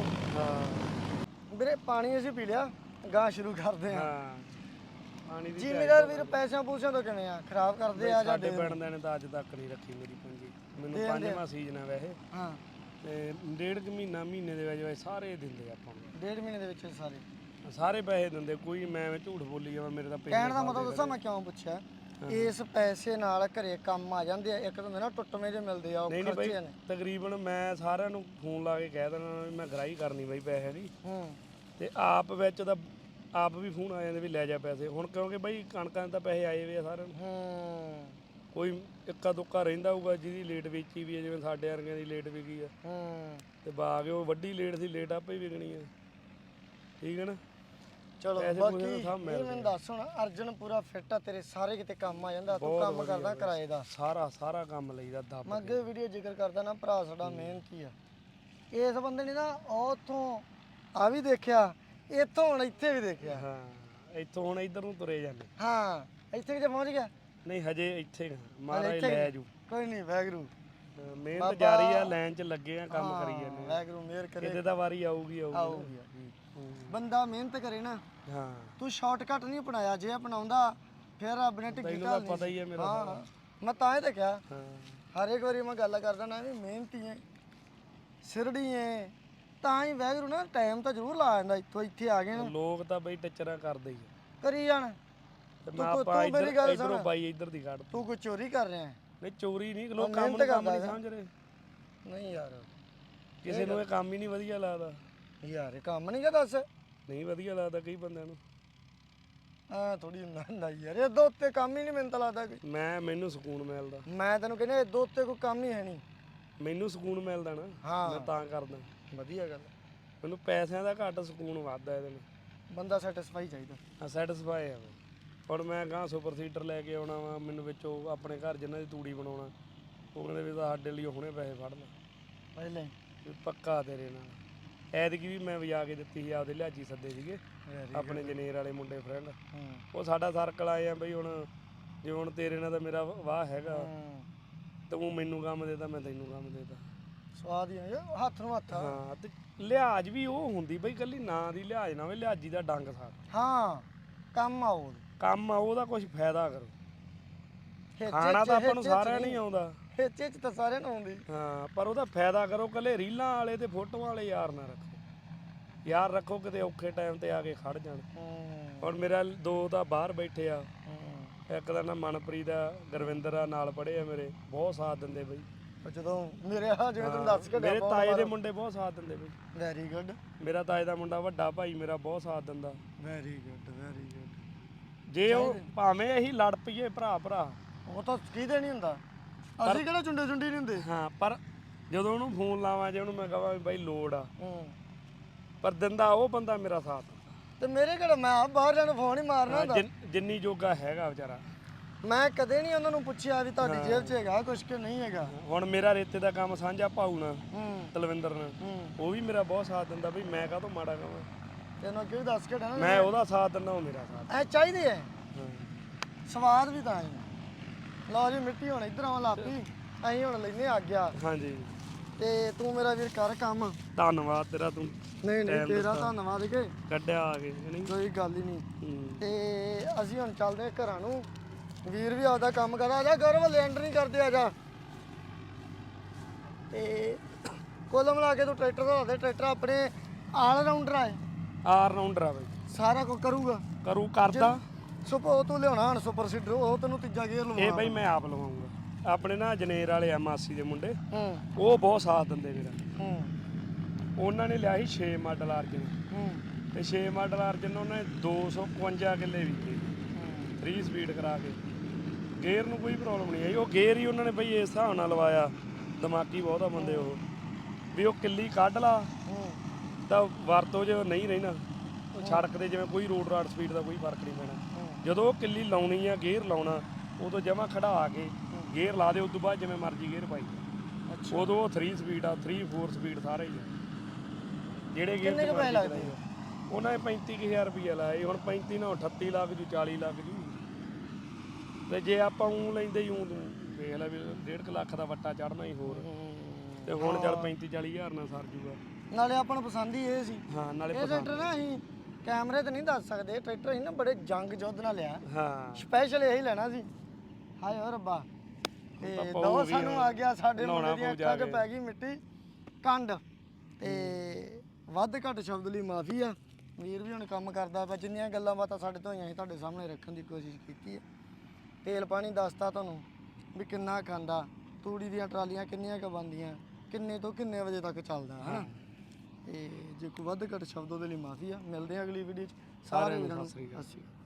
ਹਾਂ
ਵੀਰੇ ਪਾਣੀ ਅਸੀਂ ਪੀ ਲਿਆ, ਗਾਂ ਸ਼ੁਰੂ ਕਰਦੇ ਆ।
ਹਾਂ ਪਾਣੀ ਦੀ
ਜ਼ਿਮੀਦਾਰ ਵੀਰ ਪੈਸਿਆਂ ਪੂਸਿਆਂ ਤੋਂ ਕਿਵੇਂ ਆ? ਖਰਾਬ ਕਰਦੇ ਆ ਜਾਂ
ਸਾਡੇ ਪਿੰਡ ਦੇ ਨੇ ਤਾਂ ਅੱਜ ਤੱਕ ਨਹੀਂ ਰੱਖੀ ਮੇਰੀ ਪੰਜੀ। ਮੈਨੂੰ 5ਵਾਂ ਸੀਜ਼ਨ ਆ ਵੈਸੇ।
ਹਾਂ
ਤੇ 1.5 ਮਹੀਨੇ ਦੇ ਵਿੱਚ ਸਾਰੇ ਦਿੰਦੇ ਆਪਾਂ ਨੂੰ।
1.5 ਮਹੀਨੇ ਦੇ ਵਿੱਚ
ਸਾਰੇ ਪੈਸੇ ਦਿੰਦੇ। ਕੋਈ ਮੈਂ ਝੂਠ ਬੋਲੀ ਜਾਵਾਂ, ਮੇਰੇ ਤਾਂ
ਕਹਿਣ ਦਾ ਮਤਲਬ ਦੱਸਾਂ ਮੈਂ ਕਿਉਂ ਪੁੱਛਿਆ? ਇਸ ਪੈਸੇ ਨਾਲ ਘਰੇ ਕੰਮ ਆ ਜਾਂਦੇ ਆ। ਇੱਕ ਤਾਂ ਨਾ ਟੁੱਟਵੇਂ ਜੇ ਮਿਲਦੇ ਆ, ਉਹ ਖਰਚੇ ਨੇ।
ਤਕਰੀਬਨ ਮੈਂ ਸਾਰਿਆਂ ਨੂੰ ਫੋਨ ਲਾ ਕੇ ਕਹਿ ਦੇਣਾ ਵੀ ਮੈਂ ਗਰਾਈ ਕਰਨੀ ਬਈ ਪੈਸੇ ਦੀ। ਤੇ ਆਪ ਵਿੱਚ ਤਾਂ ਆਪ ਵੀ ਫੋਨ ਆ ਜਾਂਦੇ ਵੀ ਲੈ ਜਾ ਪੈਸੇ। ਹੁਣ ਕਿਉਂਕਿ ਬਈ ਕਣਕਾਂ ਦੇ ਤਾਂ ਪੈਸੇ ਆਏ ਵੇ ਆ ਸਾਰਿਆਂ ਨੂੰ। ਕੋਈ ਇੱਕਾ ਦੁੱਕਾ ਰਹਿੰਦਾ ਹੋਊਗਾ ਜਿਹਦੀ ਲੇਟ ਵੇਚੀ ਵੀ ਹੈ, ਜਿਵੇਂ ਸਾਡੇ ਵਰਗਿਆਂ ਦੀ ਲੇਟ ਵਿਕੀ ਆ। ਤੇ ਬਾਗ ਉਹ ਵੱਡੀ ਲੇਟ ਸੀ, ਲੇਟ ਆਪੇ ਹੀ ਵਿਕਣੀ ਆ। ਠੀਕ ਹੈ ਨਾ?
ਚਲੋ ਬਾਕੀ ਇਹ ਮੈਨੂੰ ਦੱਸ ਹੁਣ, ਅਰਜਨ ਪੂਰਾ ਫਿੱਟ ਆ ਤੇਰੇ, ਸਾਰੇ ਕਿਤੇ ਕੰਮ ਆ ਜਾਂਦਾ। ਤੂੰ ਕੰਮ ਕਰਦਾ ਕਿਰਾਏ ਦਾ?
ਸਾਰਾ ਕੰਮ ਲਈਦਾ ਦੱਬ।
ਮੈਂ ਅੱਗੇ ਵੀਡੀਓ ਜ਼ਿਕਰ ਕਰਦਾ ਨਾ, ਭਰਾ ਸਾਡਾ ਮਿਹਨਤੀ ਆ। ਇਸ ਬੰਦੇ ਨੇ ਨਾ ਉੱਥੋਂ ਆ ਵੀ ਦੇਖਿਆ, ਇੱਥੋਂ ਹੁਣ ਇੱਥੇ ਵੀ ਦੇਖਿਆ।
ਹਾਂ ਇੱਥੋਂ ਹੁਣ ਇੱਧਰ ਨੂੰ ਤੁਰੇ ਜਾਂਦੇ।
ਹਾਂ ਇੱਥੇ ਕਿਤੇ ਪਹੁੰਚ ਗਿਆ?
ਨਹੀਂ ਹਜੇ ਇੱਥੇ ਮਹਾਰਾਜ ਲੈ ਜੂ।
ਕੋਈ ਨਹੀਂ ਵੈਗਰੂ
ਮਿਹਨਤ ਜਾਰੀ ਆ, ਲਾਈਨ 'ਚ ਲੱਗੇ ਆ, ਕੰਮ ਕਰੀ ਜਾਂਦੇ ਆ।
ਵੈਗਰੂ ਮਿਹਰ ਕਰੇ,
ਕਿਤੇ ਤਾਂ ਵਾਰੀ ਆਊਗੀ।
ਬੰਦਾ ਮਿਹਨਤ ਕਰੇ ਨਾ।
ਹਾਂ
ਤੂੰ ਸ਼ਾਰਟਕਟ ਨਹੀਂ ਅਪਣਾਇਆ, ਜੇ ਅਪਣਾਉਂਦਾ ਫਿਰ ਰੱਬ ਨੇ ਢਿੱਗੀ
ਤੈਨੂੰ
ਢਾਲਣੀ
ਤਾਂ ਪਤਾ ਹੀ ਹੈ ਮੇਰਾ।
ਹਾਂ ਮੈਂ ਤਾਂ ਹੀ ਤਾਂ ਕਿਹਾ,
ਹਾਂ
ਹਰ ਇੱਕ ਵਾਰੀ ਮੈਂ ਗੱਲ ਕਰਦਾ ਨਾ ਵੀ ਮਿਹਨਤੀ ਐ, ਸਿਰੜੀ ਐ, ਤਾਂ ਹੀ ਵੈਗਰੂ ਨਾ ਟਾਈਮ ਤਾਂ ਜ਼ਰੂਰ ਲਾ ਜਾਂਦਾ। ਇੱਥੇ ਆ ਗਏ ਨਾ,
ਲੋਕ ਤਾਂ ਬਈ ਟੱਚਰਾਂ ਕਰਦੇ ਹੀ ਆ।
ਕਰੀ ਜਾਣ।
ਤੇ
ਤੂੰ
ਮੈਂ ਆਪਾਂ
ਮੇਰੀ ਗੱਲ
ਇਧਰੋਂ
ਸੁਣ,
ਬਾਈ ਇੱਧਰ ਦੀ ਕੱਢ।
ਤੂੰ ਕੋਈ ਚੋਰੀ ਕਰ ਰਿਹਾ ਹੈ?
ਨਹੀਂ ਚੋਰੀ ਨਹੀਂ, ਲੋਕ ਕੰਮ
ਮਿਹਨਤ
ਨੂੰ ਕੰਮ
ਕਰਦਾ
ਨਹੀਂ ਸਮਝ ਰਹੇ।
ਨਹੀਂ ਯਾਰ,
ਕਿਸੇ ਨੂੰ ਇਹ ਕੰਮ ਹੀ ਨਹੀਂ ਵਧੀਆ ਲੱਗਦਾ।
ਯਾਰ ਇਹ ਕੰਮ ਨਹੀਂ ਗਾ ਦੱਸ।
ਨਹੀਂ ਵਧੀਆ ਲੱਗਦਾ ਕਈ ਬੰਦਿਆਂ ਨੂੰ।
ਆ ਥੋੜੀ ਨਾ ਯਾਰ, ਇਹਦੇ ਉੱਤੇ ਕੰਮ ਹੀ ਨਹੀਂ ਮੈਨੂੰ ਤਾਂ ਲੱਗਦਾ ਕੋਈ।
ਮੈਨੂੰ ਸਕੂਨ ਮਿਲਦਾ।
ਮੈਂ ਤੈਨੂੰ ਕਹਿੰਦਾ ਇਹਦੇ ਉੱਤੇ ਕੋਈ ਕੰਮ ਹੀ ਹੈ ਨਹੀਂ।
ਮੈਨੂੰ ਸਕੂਨ ਮਿਲਦਾ ਨਾ, ਮੈਂ ਤਾਂ ਕਰਦਾ।
ਵਧੀਆ ਗੱਲ।
ਮੈਨੂੰ ਪੈਸਿਆਂ ਦਾ ਘੱਟ ਸਕੂਨ ਵੱਧਦਾ ਇਹਦੇ ਨਾਲ।
ਬੰਦਾ ਸੈਟੀਸਫਾਈ ਚਾਹੀਦਾ।
ਹਾਂ ਸੈਟੀਸਫਾਈ ਆ ਬਈ। ਹੁਣ ਮੈਂ ਗਾਂ ਸੁਪਰ ਸੀਟਰ ਲੈ ਕੇ ਆਉਣਾ ਵਾ, ਮੈਨੂੰ ਵਿੱਚੋਂ ਆਪਣੇ ਘਰ ਜਿਨ੍ਹਾਂ ਦੀ ਤੂੜੀ ਬਣਾਉਣਾ, ਉਹ ਕਹਿੰਦੇ ਵੀ ਸਾਡੇ ਲਈ ਹੁਣੇ ਪੈਸੇ ਫੜ ਲੈ
ਪਹਿਲੇ
ਵੀ ਪੱਕਾ ਤੇਰੇ ਨਾਲ। ਐਤਕੀ ਵੀ ਮੈਂ ਵਜਾ ਕੇ ਦਿੱਤੀ ਸੀ, ਆਪਦੇ ਲਿਹਾਜੀ ਸੱਦੇ ਸੀਗੇ ਆਪਣੇ ਜਨੇਰ ਵਾਲੇ ਮੁੰਡੇ ਫਰੈਂਡ। ਉਹ ਸਾਡਾ ਸਰਕਲ ਆਏ ਆ ਬਈ। ਹੁਣ ਜਿਵੇਂ ਹੁਣ ਤੇਰੇ ਨਾਲ ਤਾਂ ਮੇਰਾ ਵਾਹ ਹੈਗਾ, ਤੂੰ ਮੈਨੂੰ ਕੰਮ ਦੇਤਾ, ਮੈਂ ਤੈਨੂੰ ਕੰਮ ਦੇਤਾ।
ਸਵਾਦ ਹੀ ਆ ਹੱਥ ਨੂੰ ਹੱਥ।
ਹਾਂ ਤੇ ਲਿਹਾਜ਼ ਵੀ ਉਹ ਹੁੰਦੀ ਬਈ, ਕੱਲੀ ਨਾਂ ਦੀ ਲਿਹਾਜ਼ ਨਾ ਹੋਵੇ, ਲਿਹਾਜੀ ਦਾ ਡੰਗ ਸਾਰ।
ਹਾਂ ਕੰਮ ਆਉ,
ਕੰਮ ਆ ਉਹਦਾ ਕੁਝ ਫਾਇਦਾ ਕਰੋ। ਖਾਣਾ ਤਾਂ ਆਪਾਂ ਨੂੰ ਸਾਰਿਆਂ ਨਹੀਂ ਆਉਂਦਾ,
ਖੇਚੇ ਚ ਤਾਂ ਸਾਰਿਆਂ ਨੂੰ ਆਉਂਦੀ।
ਹਾਂ ਪਰ ਉਹਦਾ ਫਾਇਦਾ ਕਰੋ। ਕੱਲੇ ਰੀਲਾਂ ਵਾਲੇ ਤੇ ਫੋਟੋਆਂ ਵਾਲੇ ਯਾਰ ਨਾ ਰੱਖੋ। ਯਾਰ ਰੱਖੋ ਕਿਤੇ ਔਖੇ ਟਾਈਮ ਤੇ ਆ ਕੇ ਖੜ ਜਾਣ। ਹੁਣ ਮੇਰਾ ਦੋ ਤਾਂ ਬਾਹਰ ਬੈਠੇ ਆ, ਇੱਕ ਦਾ ਨਾ ਮਨਪ੍ਰੀਤ ਆ, ਗੁਰਵਿੰਦਰ ਆ, ਨਾਲ ਪੜ੍ਹੇ ਆ ਮੇਰੇ, ਬਹੁਤ ਸਾਥ ਦਿੰਦੇ ਬਈ।
ਜਦੋਂ ਮੇਰੇ ਜਿਵੇਂ ਤੈਨੂੰ ਦੱਸ ਕੇ
ਮੇਰੇ ਤਾਏ ਦੇ ਮੁੰਡੇ ਬਹੁਤ ਸਾਥ ਦਿੰਦੇ ਬਈ।
Very good.
ਮੇਰਾ ਤਾਏ ਦਾ ਮੁੰਡਾ ਵੱਡਾ ਭਾਈ ਮੇਰਾ ਬਹੁਤ ਸਾਥ ਦਿੰਦਾ।
Very good very good.
ਜੇ ਉਹ ਭਾਵੇਂ ਅਸੀਂ ਲੜ ਪਈਏ ਭਰਾ,
ਉਹ ਤਾਂ ਕਿਹਦੇ ਨਹੀਂ ਹੁੰਦਾ, ਅਸੀਂ ਕਿਹੜਾ ਚੁੰਡੇ ਨਹੀਂ ਹੁੰਦੇ।
ਹਾਂ ਪਰ ਜਦੋਂ ਉਹਨੂੰ ਫੋਨ ਲਾਵਾਂ, ਜੇ ਉਹਨੂੰ ਮੈਂ ਕਹਾਂ ਵੀ ਬਾਈ ਲੋੜ ਆ, ਪਰ ਦਿੰਦਾ ਉਹ ਬੰਦਾ ਮੇਰਾ ਸਾਥ।
ਤੇ ਮੇਰੇ ਕਿਹੜਾ, ਮੈਂ ਬਾਹਰ ਜਾਣ ਫੋਨ ਹੀ ਮਾਰਨਾ ਹੁੰਦਾ।
ਜਿੰਨੀ ਜੋਗਾ ਹੈਗਾ ਵਿਚਾਰਾ।
ਮੈਂ ਕਦੇ ਨਹੀਂ ਉਹਨਾਂ ਨੂੰ ਪੁੱਛਿਆ ਵੀ ਤੁਹਾਡੀ ਜੇਬ 'ਚ ਹੈਗਾ ਕੁਛ ਕਿ ਨਹੀਂ ਹੈਗਾ।
ਹੁਣ ਮੇਰਾ ਰੇਤੇ ਦਾ ਕੰਮ ਸਾਂਝਾ ਭਾਊ ਨਾਲ, ਤਲਵਿੰਦਰ ਨਾਲ, ਉਹ ਵੀ ਮੇਰਾ ਬਹੁਤ ਸਾਥ ਦਿੰਦਾ ਬਈ। ਮੈਂ ਕਾਹਤੋਂ ਮਾੜਾ ਕਹਾਂ,
ਤੈਨੂੰ ਕਿਉਂ ਦੱਸ ਕੇ ਨਾ,
ਮੈਂ ਉਹਦਾ ਸਾਥ ਦਿੰਦਾ, ਉਹ ਮੇਰਾ ਸਾਥ।
ਐ ਚਾਹੀਦੇ ਐ, ਸਵਾਦ ਵੀ ਤਾਂ ਹੀ। ਲਓ ਜੀ ਮਿੱਟੀ ਹੁਣ ਇੱਧਰ ਆਉਣ ਲੱਗ ਪਈ, ਅਸੀਂ ਹੁਣ ਲੈਨੇ ਆ ਗਿਆ।
ਹਾਂਜੀ
ਤੇ ਤੂੰ ਮੇਰਾ ਵੀਰ ਕਰ ਕੰਮ।
ਧੰਨਵਾਦ ਤੇਰਾ, ਤੂੰ
ਨਹੀਂ ਤੇਰਾ ਧੰਨਵਾਦ ਕੇ
ਕੱਢਿਆ ਆ ਕੇ। ਨਹੀਂ
ਕੋਈ ਗੱਲ ਹੀ ਨਹੀਂ। ਤੇ ਅਸੀਂ ਹੁਣ ਚੱਲਦੇ ਘਰਾਂ ਨੂੰ। ਵੀਰ ਵੀ ਆਪਦਾ ਕੰਮ ਕਰਦਾ। ਆ ਜਾ ਗੌਰਵ, ਲੈਂਡਰ ਨਹੀਂ ਕਰਦੇ, ਆ ਜਾ। ਤੇ ਕੁੱਲ ਮਿਲਾ ਕੇ ਤੂੰ ਟਰੈਕਟਰ ਦਾ ਦੇ, ਟਰੈਕਟਰ ਆਪਣੇ ਆਲ ਰਾਊਂਡਰ ਆ,
ਆਲ ਰਾਊਂਡਰ ਆ ਬਈ,
ਸਾਰਾ ਕੁਝ ਕਰੂਗਾ।
ਕਰਦਾ।
ਉਹ ਤੂੰ ਲਿਆਉਣਾ ਹੁਣ ਸੁਪਰ ਸੀਡਰ, ਉਹ ਤੈਨੂੰ ਤੀਜਾ ਗੇਅਰ ਲਵਾਉਣਾ।
ਇਹ ਬਈ ਮੈਂ ਆਪ ਲਵਾਉਂਗਾ। ਆਪਣੇ ਨਾ ਜਨੇਰ ਵਾਲੇ ਆ ਮਾਸੀ ਦੇ ਮੁੰਡੇ, ਉਹ ਬਹੁਤ ਸਾਥ ਦਿੰਦੇ ਮੇਰਾ। ਉਹਨਾਂ ਨੇ ਲਿਆ ਸੀ 6 ਮਾਡਲ ਅਰਜਨ, ਤੇ 6 ਮਾਡਲ ਅਰਜਨ ਉਹਨਾਂ ਨੇ 252 ਕਿੱਲੇ ਵਿਕੇ 3 ਸਪੀਡ ਕਰਾ ਕੇ। ਗੇਅਰ ਨੂੰ ਕੋਈ ਪ੍ਰੋਬਲਮ ਨਹੀਂ ਆਈ। ਉਹ ਗੇਅਰ ਹੀ ਉਹਨਾਂ ਨੇ ਬਈ ਇਸ ਹਿਸਾਬ ਨਾਲ ਲਵਾਇਆ, ਦਿਮਾਗੀ ਬਹੁਤ ਆ ਬੰਦੇ ਉਹ, ਵੀ ਉਹ ਕਿੱਲੀ ਕੱਢ ਲਾ ਤਾਂ ਵਰਤੋਂ 'ਚ ਨਹੀਂ ਰਹਿਣਾ। ਸੜਕ ਤੇ ਜਿਵੇਂ ਕੋਈ ਰੋਡ ਰਾਡ ਸਪੀਡ ਦਾ ਕੋਈ ਫਰਕ ਨਹੀਂ ਪੈਣਾ। ਜਦੋਂ ਉਹ ਕਿੱਲੀ ਲਾਉਣੀ ਆ, ਗੇਅਰ ਲਾਉਣਾ, ਉਦੋਂ ਜਮਾ ਖੜਾ ਕੇ ਗੇਅਰ ਲਾ ਦੇ। ਉਸ ਤੋਂ ਬਾਅਦ ਜਿਵੇਂ ਮਰਜ਼ੀ ਗੇਅਰ ਪਾਈ, ਉਦੋਂ ਉਹ 3 ਸਪੀਡ ਆ, 3 4 ਸਪੀਡ ਸਾਰੇ ਹੀ ਆ। ਜਿਹੜੇ ਗੇਅਰ
ਕਿੰਨੇ ਕੁ ਪੈਸੇ ਲੱਗਦੇ
ਉਹਨਾਂ ਨੇ 35,000 ਰੁਪਇਆ ਲਾਇਆ। ਹੁਣ 35 ਨਾਲ 38 ਲੱਖ ਜੂ, 40 ਲੱਖ ਜੂ। ਤੇ ਜੇ ਆਪਾਂ ਉਹ ਲੈਂਦੇ ਹੀ ਤੂੰ ਵੇਖ ਲੈ ਵੀ 1.5 ਲੱਖ ਦਾ ਵੱਟਾ ਚੜਨਾ ਹੀ ਹੋਰ। ਤੇ ਹੁਣ ਚੱਲ 35-40 ਹਜ਼ਾਰ ਨਾਲ ਸਰ ਜੂਗਾ।
ਨਾਲੇ ਆਪਾਂ ਨੂੰ ਪਸੰਦ ਹੀ ਇਹ ਸੀ।
ਹਾਂ ਨਾਲੇ
ਇਹ ਟਰੈਕਟਰ ਨਾ ਅਸੀਂ ਕੈਮਰੇ ਤੇ ਨਹੀਂ ਦੱਸ ਸਕਦੇ, ਟਰੈਕਟਰ ਅਸੀਂ ਨਾ ਬੜੇ ਜੰਗ ਯੁੱਧ ਨਾਲ ਲਿਆ।
ਹਾਂ
ਸਪੈਸ਼ਲ ਇਹੀ ਲੈਣਾ ਸੀ। ਹਾਏ ਓ ਰੱਬਾ। ਤੇ ਦੋ ਸਾਨੂੰ ਆ ਗਿਆ, ਸਾਡੇ ਮੁੰਡੇ ਦੀਆਂ ਅੱਖਾਂ 'ਚ ਪੈ ਗਈ ਮਿੱਟੀ ਕੰਡ। ਤੇ ਵੱਧ ਘੱਟ ਸ਼ਬਦ ਲਈ ਮਾਫੀ ਆ। ਵੀਰ ਵੀ ਹੁਣ ਕੰਮ ਕਰਦਾ ਪਿਆ, ਜਿੰਨੀਆਂ ਗੱਲਾਂ ਬਾਤਾਂ ਸਾਡੇ ਤੋਂ ਹੋਈਆਂ ਸੀ ਤੁਹਾਡੇ ਸਾਹਮਣੇ ਰੱਖਣ ਦੀ ਕੋਸ਼ਿਸ਼ ਕੀਤੀ ਹੈ। ਤੇਲ ਪਾਣੀ ਦੱਸਤਾ ਤੁਹਾਨੂੰ ਵੀ ਕਿੰਨਾ ਖਾਂਦਾ, ਤੂੜੀ ਦੀਆਂ ਟਰਾਲੀਆਂ ਕਿੰਨੀਆਂ ਕੁ ਬਣਦੀਆਂ, ਕਿੰਨੇ ਤੋਂ ਕਿੰਨੇ ਵਜੇ ਤੱਕ ਚੱਲਦਾ ਹੈ ਨਾ। ਤੇ ਜੇ ਕੋਈ ਵੱਧ ਘੱਟ ਸ਼ਬਦ ਉਹਦੇ ਲਈ ਮਾਫੀ ਆ। ਮਿਲਦੇ ਆ ਅਗਲੀ ਵੀਡੀਓ 'ਚ। ਸਾਰੇ ਵੀਰਾਂ ਨੂੰ ਸਤਿ ਸ਼੍ਰੀ ਅਕਾਲ।